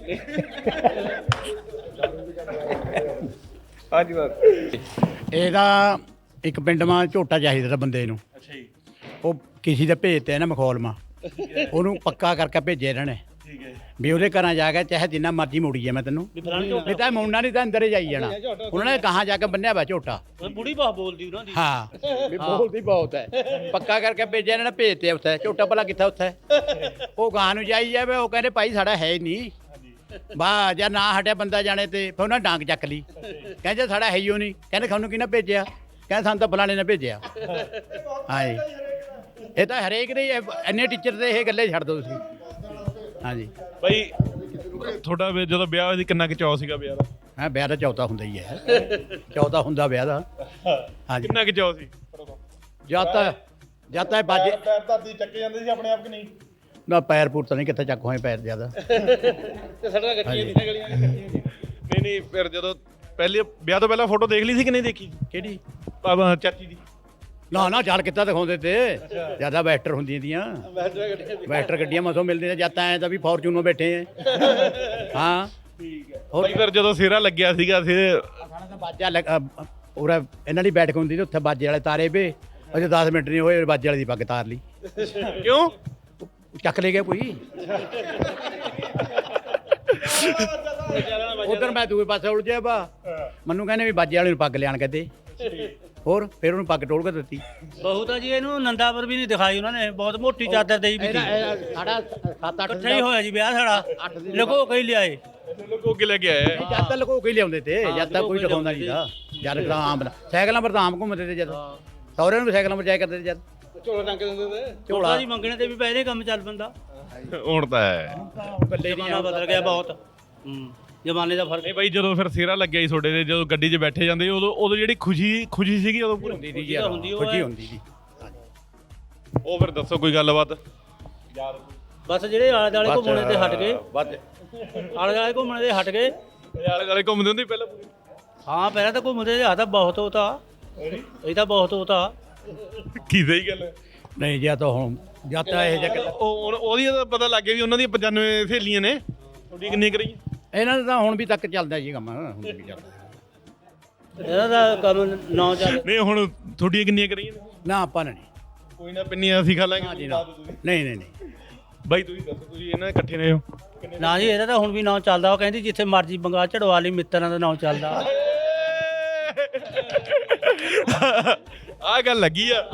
[SPEAKER 10] ਹਾਂਜੀ ਬਸ
[SPEAKER 3] ਇਹਦਾ ਇੱਕ ਪਿੰਡ ਮਾਂ ਝੋਟਾ ਚਾਹੀਦਾ ਤਾਂ ਬੰਦੇ ਨੂੰ।
[SPEAKER 2] ਅੱਛਾ ਜੀ।
[SPEAKER 3] ਉਹ ਕਿਸੇ ਦੇ ਭੇਜਤੇ ਨਾ ਮਖੌਲ ਮਾਂ, ਉਹਨੂੰ ਪੱਕਾ ਕਰਕੇ ਭੇਜੇ ਇਹਨਾਂ ਨੇ
[SPEAKER 2] ਠੀਕ ਹੈ।
[SPEAKER 3] ਵੀ ਉਹਦੇ ਘਰਾਂ ਜਾ ਕੇ ਚਾਹੇ ਜਿੰਨਾ ਮਰਜ਼ੀ ਮੋੜੀ ਮੈਂ ਤੈਨੂੰ, ਨਹੀਂ ਤਾਂ ਮੁੰਡਾ ਨਹੀਂ ਤਾਂ ਅੰਦਰ ਹੀ ਜਾਈ ਜਾਣਾ। ਉਹਨਾਂ ਨੇ ਕਹਾਂ ਜਾ ਕੇ ਬੰਨਿਆ ਵਾ ਝੋਟਾ।
[SPEAKER 4] ਬੁੜੀ ਬਾਹ ਬੋਲਦੀ ਉਹਨਾਂ ਦੀ।
[SPEAKER 3] ਹਾਂ ਵੀ ਬੋਲਦੀ ਬਹੁਤ ਹੈ। ਪੱਕਾ ਕਰਕੇ ਭੇਜਿਆ ਇਹਨਾਂ ਨੇ, ਭੇਜਤੇ ਉੱਥੇ। ਝੋਟਾ ਭਲਾ ਕਿੱਥੇ ਉੱਥੇ? ਉਹ ਗਾਂ ਨੂੰ ਜਾਈ ਜਾਵੇ। ਉਹ ਕਹਿੰਦੇ ਭਾਈ ਸਾਡਾ ਹੈ ਹੀ ਨਹੀਂ। ਵਾਹ ਜਾਂ ਨਾ ਹਟਿਆ ਬੰਦਾ ਜਾਣੇ ਤੇ ਫਿਰ ਉਹਨਾਂ ਡਾਂਗ ਚੱਕ ਲਈ। ਕਹਿੰਦੇ ਸਾਡਾ ਹੈ ਹੀ ਉਹ ਨਹੀਂ। ਕਹਿੰਦੇ ਤੁਹਾਨੂੰ ਕਿਹਨੇ ਭੇਜਿਆ? ਕਹਿੰਦੇ ਸਾਨੂੰ ਤਾਂ ਫਲਾਣੇ ਨੇ ਭੇਜਿਆ। ਹਾਂਜੀ ਇਹ ਤਾਂ ਹਰੇਕ ਦੇ ਇੰਨੇ ਟੀਚਰ ਦੇ ਇਹ ਗੱਲੇ ਛੱਡ ਦਿਓ ਤੁਸੀਂ। ਹਾਂਜੀ
[SPEAKER 2] ਬਾਈ ਤੁਹਾਡਾ ਵੀ ਜਦੋਂ ਵਿਆਹ ਹੋਇਆ ਸੀ ਕਿੰਨਾ ਕੁ ਚਾਅ ਸੀਗਾ ਵਿਆਹ ਦਾ?
[SPEAKER 3] ਹਾਂ ਵਿਆਹ ਦਾ ਚੌਥਾ ਹੁੰਦਾ ਹੀ ਹੈ। ਚੌਥਾ ਹੁੰਦਾ ਵਿਆਹ ਦਾ। ਹਾਂਜੀ
[SPEAKER 2] ਕਿੰਨਾ ਕੁ ਚਾਅ ਸੀ?
[SPEAKER 3] ਜਦ ਤਾਂ ਜਦ ਤਾਂ ਇਹ ਬਾਜੇ
[SPEAKER 2] ਪੈਰ ਧਰਤੀ ਚੱਕੇ ਜਾਂਦੇ ਸੀ ਆਪਣੇ ਆਪ ਕਿ ਨਹੀਂ?
[SPEAKER 3] ਨਾ ਪੈਰ ਪੂਰ ਤਾਂ ਨਹੀਂ ਕਿੱਥੇ ਚੱਕ ਹੋਏ ਪੈਰ ਜ਼ਿਆਦਾ।
[SPEAKER 2] ਤੇ ਸੜਕਾਂ ਕੱਚੀਆਂ ਦੀਆਂ ਗਲੀਆਂ ਨਹੀਂ ਨਹੀਂ ਫਿਰ ਜਦੋਂ ਪਹਿਲੇ ਵਿਆਹ ਤੋਂ ਪਹਿਲਾਂ ਫੋਟੋ ਦੇਖ ਲਈ ਸੀ ਕਿ ਨਹੀਂ ਦੇਖੀ?
[SPEAKER 3] ਕਿਹੜੀ?
[SPEAKER 2] ਬਾਬਾ ਚਾਚੀ ਦੀ।
[SPEAKER 3] ਨਾ ਨਾ ਚੱਲ ਕਿੱਦਾਂ ਦਿਖਾਉਂਦੇ ਤੇ ਜਿਆਦਾ ਵੈਸਟਰ ਹੁੰਦੀਆਂ ਦੀਆਂ। ਵੈਸਟਰ ਗੱਡੀਆਂ ਮਸੋਂ ਮਿਲਦੀਆਂ। ਜਦ ਤਾਂ ਐ ਤਾਂ ਵੀ ਫੋਰਚੂਨਰ ਬੈਠੇ ਐ। ਹਾਂ
[SPEAKER 2] ਠੀਕ ਹੈ। ਬਾਈ ਫਿਰ ਜਦੋਂ ਸਿਰਾ ਲੱਗਿਆ ਸੀਗਾ ਫਿਰ
[SPEAKER 3] ਸਾਡਾ ਤਾਂ ਬਾਜਾ ਲੱਗ- ਅ, ਉਰੇ ਇਹਨਾਂ ਦੀ ਬੈਠਕ ਹੁੰਦੀ ਤੇ ਉੱਥੇ ਬਾਜੇ ਵਾਲੇ ਤਾਰੇ ਵੇ। ਅਜੇ ਦਸ ਮਿੰਟ ਨਹੀਂ ਹੋਏ ਬਾਜੇ ਵਾਲੇ ਦੀ ਪੱਗ ਤਾਰ ਲਈ।
[SPEAKER 2] ਕਿਉਂ?
[SPEAKER 3] ਚੱਕ ਲੈ ਗਿਆ ਕੋਈ। ਉਧਰ ਮੈਂ ਦੂਏ ਪਾਸੇ ਉਲਝਿਆ ਵਾ। ਮੈਨੂੰ ਕਹਿੰਦੇ ਵੀ ਬਾਜੇ ਵਾਲੇ ਨੂੰ ਪੱਗ ਲਿਆਣ ਕੇ ਦੇ। ਹੋਰ ਫਿਰ ਉਹਨੂੰ ਪੱਗ ਟੋਲ ਕੇ ਦਿੱਤੀ।
[SPEAKER 4] ਬਹੁਤ ਆ ਜੀ। ਇਹਨੂੰ ਨੰਦਾਪੁਰ ਵੀ ਨਹੀਂ ਦਿਖਾਈ ਉਹਨਾਂ ਨੇ। ਬਹੁਤ ਮੋਟੀ ਚਾਦਰ ਦੇਈ ਵੀ ਸੀ।
[SPEAKER 3] ਸਾਡਾ ਸੱਤ ਅੱਠ
[SPEAKER 4] ਇਕੱਠਾ ਹੀ ਹੋਇਆ ਜੀ ਵਿਆਹ ਸਾਡਾ। ਲਗੋ ਕਈ ਲਿਆਏ।
[SPEAKER 2] ਲੋਕੋ ਕੇ ਲੈ ਕੇ ਆਇਆ ਹੈ।
[SPEAKER 3] ਜਦ ਤਾਂ ਲੁਕੋ ਕੇ ਹੀ ਲਿਆਉਂਦੇ ਤੇ ਜਦ ਤਾਂ ਕੋਈ ਦਿਖਾਉਂਦਾ ਨਹੀਂ ਦਾ ਜਦ ਤਾਂ ਆਮ ਸਾਈਕਲਾਂ ਪਰ ਤਾਂ ਆਮ ਘੁੰਮਦੇ ਤੇ ਜਦ ਸਹੁਰਿਆਂ ਨੂੰ ਵੀ ਸਾਈਕਲਾਂ ਪਰ ਜਾਇਆ ਕਰਦੇ ਤੇ ਜਦ
[SPEAKER 4] ਝੋਲਾ ਟੰਗ ਦਿੰਦੇ ਤੇ ਝੋਲਾ ਜੀ ਮੰਗਣੇ ਤੇ ਵੀ ਪਹਿਲੇ ਕੰਮ ਚੱਲ ਪੈਂਦਾ।
[SPEAKER 2] ਹੁਣ ਤਾਂ ਹੈ
[SPEAKER 4] ਜ਼ਮਾਨਾ ਬਦਲ ਗਿਆ ਬਹੁਤ। ਹੂੰ ਜ਼ਮਾਨੇ ਦਾ ਫਰਕ
[SPEAKER 2] ਨਹੀਂ ਬਾਈ ਜਦੋਂ ਫਿਰ ਸਿਰਾ ਲੱਗਿਆ ਸੀ ਤੁਹਾਡੇ ਦੇ ਜਦੋਂ ਗੱਡੀ 'ਚ ਬੈਠੇ ਜਾਂਦੇ ਉਦੋਂ ਉਦੋਂ ਜਿਹੜੀ ਖੁਸ਼ੀ ਖੁਸ਼ੀ ਸੀਗੀ ਉਦੋਂ ਪੂਰੀ
[SPEAKER 3] ਹੁੰਦੀ ਸੀ ਯਾਰ ਖੁਸ਼ੀ ਹੁੰਦੀ ਸੀ।
[SPEAKER 2] ਉਹ ਫਿਰ ਦੱਸੋ ਕੋਈ ਗੱਲਬਾਤ
[SPEAKER 4] ਬਸ ਜਿਹੜੇ ਆਲੇ ਦੁਆਲੇ ਘੁੰਮਣੇ ਤੇ ਹਟ ਗਏ ਆਲੇ ਦੁਆਲੇ ਘੁੰਮਣੇ ਤੇ ਹਟ ਗਏ।
[SPEAKER 2] ਆਲੇ ਦੁਆਲੇ ਘੁੰਮਦੇ ਹੁੰਦੇ ਪਹਿਲਾਂ ਪੂਰੀ
[SPEAKER 4] ਹਾਂ ਪਹਿਲਾਂ ਤਾਂ ਘੁੰਮਦੇ ਆ ਤਾਂ ਬਹੁਤ ਹੋਤਾ ਇਹ ਤਾਂ ਬਹੁਤ ਹੋਤਾ
[SPEAKER 2] ਕੀ ਸਹੀ ਗੱਲ ਹੈ।
[SPEAKER 3] ਨਹੀਂ ਜਾਂ ਤਾਂ ਹੁਣ ਜਾਂ ਤਾਂ ਇਹ ਜਿਹਾ
[SPEAKER 2] ਉਹ ਹੁਣ ਉਹਦੀ ਤਾਂ ਪਤਾ ਲੱਗ ਗਿਆ ਵੀ ਉਹਨਾਂ ਦੀਆਂ ਪਚਾਨਵੇਂ ਸਹੇਲੀਆਂ ਨੇ ਤੁਹਾਡੀ ਕਿੰਨੀ ਕਰੀ
[SPEAKER 3] ਇਹਨਾਂ ਦਾ ਤਾਂ ਹੁਣ ਵੀ ਤੱਕ ਚੱਲਦਾ ਜੀ ਕੰਮ ਹੁਣ ਵੀ ਚੱਲਦਾ
[SPEAKER 4] ਇਹਨਾਂ ਦਾ ਕੰਮ ਨੌ ਚੱਲ
[SPEAKER 2] ਨਹੀਂ ਹੁਣ ਤੁਹਾਡੀਆਂ ਕਿੰਨੀਆਂ ਕਰੀਆਂ ਨੇ
[SPEAKER 3] ਨਾ ਆਪਾਂ ਨੇ
[SPEAKER 2] ਕੋਈ ਨਾ ਪਿੰਨੀਆਂ ਅਸੀਂ ਖਾ ਲਾਂਗੇ
[SPEAKER 3] ਨਹੀਂ ਨਹੀਂ ਨਹੀਂ
[SPEAKER 2] ਬਾਈ ਤੁਸੀਂ ਦੱਸੋ ਤੁਸੀਂ ਇਹਨਾਂ ਦੇ ਇਕੱਠੇ ਨੇ ਹੋ
[SPEAKER 4] ਨਾ ਜੀ ਇਹਦਾ ਤਾਂ ਹੁਣ ਵੀ ਨਾਂ ਚੱਲਦਾ ਉਹ ਕਹਿੰਦੀ ਜਿੱਥੇ ਮਰਜੀ ਬੰਗਾ ਚੜਵਾ ਲਈ ਮਿੱਤਰਾਂ ਦਾ ਨਾਂ ਚੱਲਦਾ।
[SPEAKER 2] ਆ ਗੱਲ ਲੱਗੀ ਆ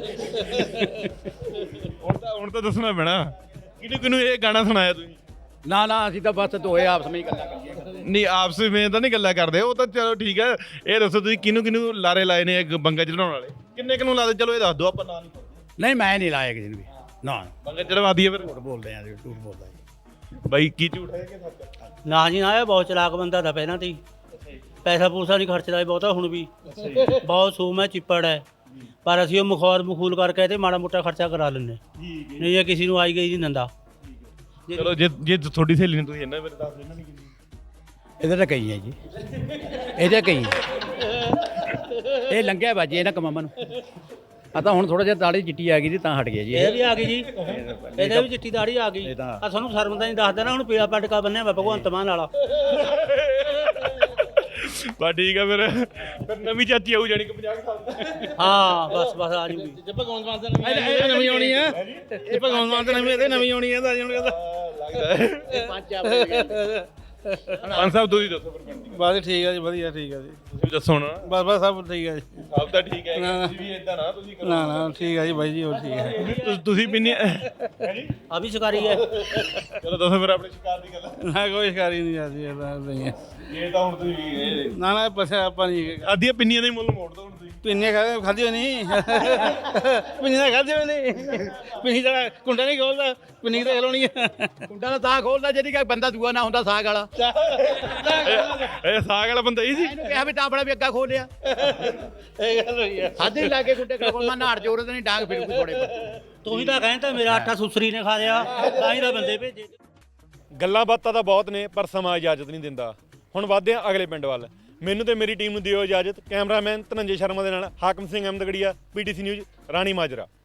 [SPEAKER 2] ਹੁਣ ਤਾਂ ਹੁਣ ਤਾਂ ਦੱਸਣਾ ਪੈਣਾ ਕਿਹਨੂੰ ਕਿਹਨੂੰ ਇਹ ਗਾਣਾ ਸੁਣਾਇਆ ਤੁਸੀਂ
[SPEAKER 3] ਨਾ ਨਾ ਅਸੀਂ ਤਾਂ ਬਸ ਦੋਏ ਆਪਸ ਵਿੱਚ ਗੱਲਾਂ ਕਰੀਏ
[SPEAKER 2] ਨਹੀਂ ਆਪਸ ਵਿੱਚ ਤਾਂ ਨਹੀਂ ਗੱਲਾਂ ਕਰਦੇ ਉਹ ਤਾਂ ਚਲੋ ਠੀਕ ਹੈ ਇਹ ਦੱਸੋ ਤੁਸੀਂ ਕਿਹਨੂੰ ਕਿਹਨੂੰ ਲਾਰੇ ਲਾਏ ਨੇ ਇਹ ਬੰਗਾ ਚੜਾਉਣ ਵਾਲੇ ਕਿੰਨੇ ਕਿਹਨੂੰ ਲਾਦੇ ਚਲੋ ਇਹ ਦੱਸ ਦਿਓ ਆਪਾਂ ਨਾਂ ਨਹੀਂ
[SPEAKER 3] ਨਹੀਂ ਮੈਂ ਨਹੀਂ ਲਾਇਆ ਕਿਸੇ ਨੂੰ ਵੀ ਨਾ
[SPEAKER 2] ਬੰਗਾ ਚੜਵਾ ਦਈਏ ਫਿਰ
[SPEAKER 3] ਝੂਠ ਬੋਲਦੇ ਆ ਝੂਠ ਬੋਲਦਾ ਜੀ
[SPEAKER 2] ਬਾਈ ਕੀ ਝੂਠ ਹੈ ਕਿ ਸੱਚ
[SPEAKER 4] ਨਾ ਜੀ ਨਾ ਇਹ ਬਹੁਤ ਚਲਾਕ ਬੰਦਾ ਤਾਂ ਪਹਿਲਾਂ ਤੇ ਹੀ ਪੈਸਾ ਪੂਸਾ ਨਹੀਂ ਖਰਚਦਾ ਇਹ ਬਹੁਤਾ ਹੁਣ ਵੀ ਬਹੁਤ ਸੂਮ ਹੈ ਚਿੱਪੜ ਹੈ ਪਰ ਅਸੀਂ ਉਹ ਮੁਖੌਰ ਮਖੂਲ ਕਰਕੇ ਤੇ ਮਾੜਾ ਮੋਟਾ ਖਰਚਾ ਕਰਾ ਲੈਂਦੇ ਨਹੀਂ ਇਹ ਕਿਸੇ ਨੂੰ ਆਈ ਗਈ ਨਹੀਂ ਦਿੰਦਾ।
[SPEAKER 2] ਚਲੋ ਜੇ ਜੇ ਤੁਹਾਡੀ ਸਹੇਲੀ ਨੇ ਤੁਸੀਂ ਇਹਨਾਂ ਬਾਰੇ ਦੱਸ ਦਿਓ ਇਹਨਾਂ ਨੇ ਕਿੰਨੀ
[SPEAKER 3] ਇਹਦੇ ਤਾਂ ਕਈ ਹੈ ਜੀ ਇਹਦੇ ਕਈ ਇਹ ਲੰਘਿਆ ਬਾਜੀ ਇਹਨਾਂ ਕਮਾਮਾਂ ਨੂੰ ਆ ਤਾਂ ਹੁਣ ਥੋੜਾ ਜਿਹਾ ਦਾੜੀ ਚਿੱਟੀ ਆ ਗਈ ਜੀ ਤਾਂ ਹਟ ਗਿਆ ਜੀ
[SPEAKER 4] ਇਹ ਵੀ ਆ ਗਈ ਜੀ ਇਹਦੇ ਵੀ ਚਿੱਟੀ ਦਾੜੀ ਆ ਗਈ ਆ ਤੁਹਾਨੂੰ ਸ਼ਰਮ ਤਾਂ ਨਹੀਂ ਦੱਸਦਾ ਨਾ ਹੁਣ ਪੀਲਾ ਪਟਕਾ ਬੰਨਿਆ ਵਾ ਭਗਵੰਤ ਮਾਨ ਵਾਲਾ।
[SPEAKER 2] ਬਾ ਠੀਕ ਆ ਫਿਰ ਫਿਰ ਨਵੀਂ ਚਾਚੀ ਆਊ ਜਾਣੀ ਕਿ ਪੰਜਾਹ ਸਾਲ ਦਾ
[SPEAKER 4] ਹਾਂ ਬਸ ਬਸ ਆ ਜੂਗੀ
[SPEAKER 9] ਜੇ ਭਗਵੰਤ ਮਾਨ ਤੇ ਨਵੀਂ ਨਵੀਂ ਆਉਣੀ ਆ ਜੇ ਭਗਵੰਤ ਮਾਨ ਤੇ ਨਵੀਂ ਇਹਦੇ ਨਵੀਂ ਆਉਣੀ ਆ ਤਾਂ ਹੁਣ
[SPEAKER 2] ਲੱਗਦਾ ਪੰਜ ਸਾਹਿਬ ਤੁਸੀਂ ਦੱਸੋ ਫਿਰ ਪਿੰਡ ਦੀ
[SPEAKER 9] ਬਸ ਠੀਕ ਆ ਜੀ ਵਧੀਆ ਠੀਕ ਆ ਜੀ
[SPEAKER 2] ਤੁਸੀਂ ਦੱਸੋ ਹੁਣ
[SPEAKER 9] ਬਸ ਬਸ ਸਭ ਠੀਕ ਆ ਜੀ
[SPEAKER 2] ਸਭ ਤਾਂ ਠੀਕ ਹੈ ਤੁਸੀਂ ਵੀ ਇਦਾਂ ਨਾ ਤੁਸੀਂ ਕਰੋ
[SPEAKER 9] ਨਾ ਨਾ ਠੀਕ ਆ ਜੀ ਬਾਈ ਜੀ ਹੋਰ ਠੀਕ ਹੈ
[SPEAKER 2] ਤੁਸ- ਤੁਸੀਂ ਪਿੰਨੀ
[SPEAKER 4] ਆ ਵੀ ਸ਼ਿਕਾਰੀ ਹੈ।
[SPEAKER 2] ਚਲੋ ਦੱਸੋ ਫਿਰ ਆਪਣੇ ਸ਼ਿਕਾਰ ਦੀ ਗੱਲ
[SPEAKER 9] ਨਾ ਕੋਈ ਸ਼ਿਕਾਰੀ ਨਹੀਂ ਆਦੀ ਇਹਦਾ ਨਹੀਂ ਹੈ
[SPEAKER 2] ਇਹ ਤਾਂ ਹੁਣ ਤੁਸੀਂ
[SPEAKER 9] ਨਾ ਨਾ ਪਛਾ ਆਪਾਂ ਨਹੀਂ
[SPEAKER 2] ਆਦੀਆਂ ਪਿੰਨੀਆਂ ਦਾ ਹੀ ਮੁੱਲ ਮੋੜ ਦੋ ਹੁਣ ਤੁਸੀਂ
[SPEAKER 9] ਪਿੰਨੇ ਖਾ ਖਾਦੀ ਹੋਈ ਨਹੀਂ ਪਿੰਨੀ ਤਾਂ ਖਾਦੀ ਹੋਈ ਨਹੀਂ ਪਿੰਨੀ ਦਾ ਕੁੰਡਾ ਨਹੀਂ ਖੋਲਦਾ ਪਿੰਨੀ ਤਾਂ ਖਲੋਣੀ ਹੈ
[SPEAKER 3] ਕੁੰਡਾ ਤਾਂ ਤਾਂ ਖੋਲਦਾ ਜਿਹੜੀ ਕਿ ਬੰਦਾ ਦੂਆ ਨਾ ਹੁੰਦਾ ਸਾਗ ਵਾਲਾ
[SPEAKER 2] ਇਹ ਇਹ ਸਾਗ ਵਾਲਾ ਬੰਦਾ ਹੀ ਸੀ
[SPEAKER 3] ਇਹਨੂੰ ਕਿਹਾ ਵੀ ਤਾਂ ਆਪਣਾ ਵੀ ਅੱਗਾ ਖੋਲਿਆ
[SPEAKER 9] ਇਹ ਗੱਲ ਹੋਈ ਆ
[SPEAKER 3] ਹੱਦ ਹੀ ਲਾ ਕੇ ਗੁੱਡੇ ਕੋਲ ਮੈਂ ਨਾੜ ਜੋਰ ਤੇ ਨਹੀਂ ਡਾਂਗ ਫਿਰ ਥੋੜੇ
[SPEAKER 4] ਤੂੰ ਹੀ ਤਾਂ ਕਹਿੰਦਾ ਮੇਰਾ ਆਟਾ ਸੁਸਰੀ ਨੇ ਖਾ ਲਿਆ ਤਾਂ ਹੀ ਤਾਂ ਬੰਦੇ ਭੇਜੇ।
[SPEAKER 2] ਗੱਲਾਂ ਬਾਤਾਂ ਤਾਂ ਬਹੁਤ ਨੇ ਪਰ ਸਮਾਂ ਇਜਾਜ਼ਤ ਨਹੀਂ ਦਿੰਦਾ। ਹੁਣ ਵੱਧਦੇ ਹਾਂ ਅਗਲੇ ਪਿੰਡ ਵੱਲ। ਮੈਨੂੰ ਤੇ ਮੇਰੀ ਟੀਮ ਨੂੰ ਦਿਓ ਇਜਾਜ਼ਤ। ਕੈਮਰਾਮੈਨ ਧਨੰਜੇ ਸ਼ਰਮਾ ਦੇ ਨਾਲ ਹਾਕਮ ਸਿੰਘ ਅਹਿਮਦਗੜੀਆ, ਪੀਟੀਸੀ ਨਿਊਜ਼, ਰਾਣੀ ਮਾਜਰਾ।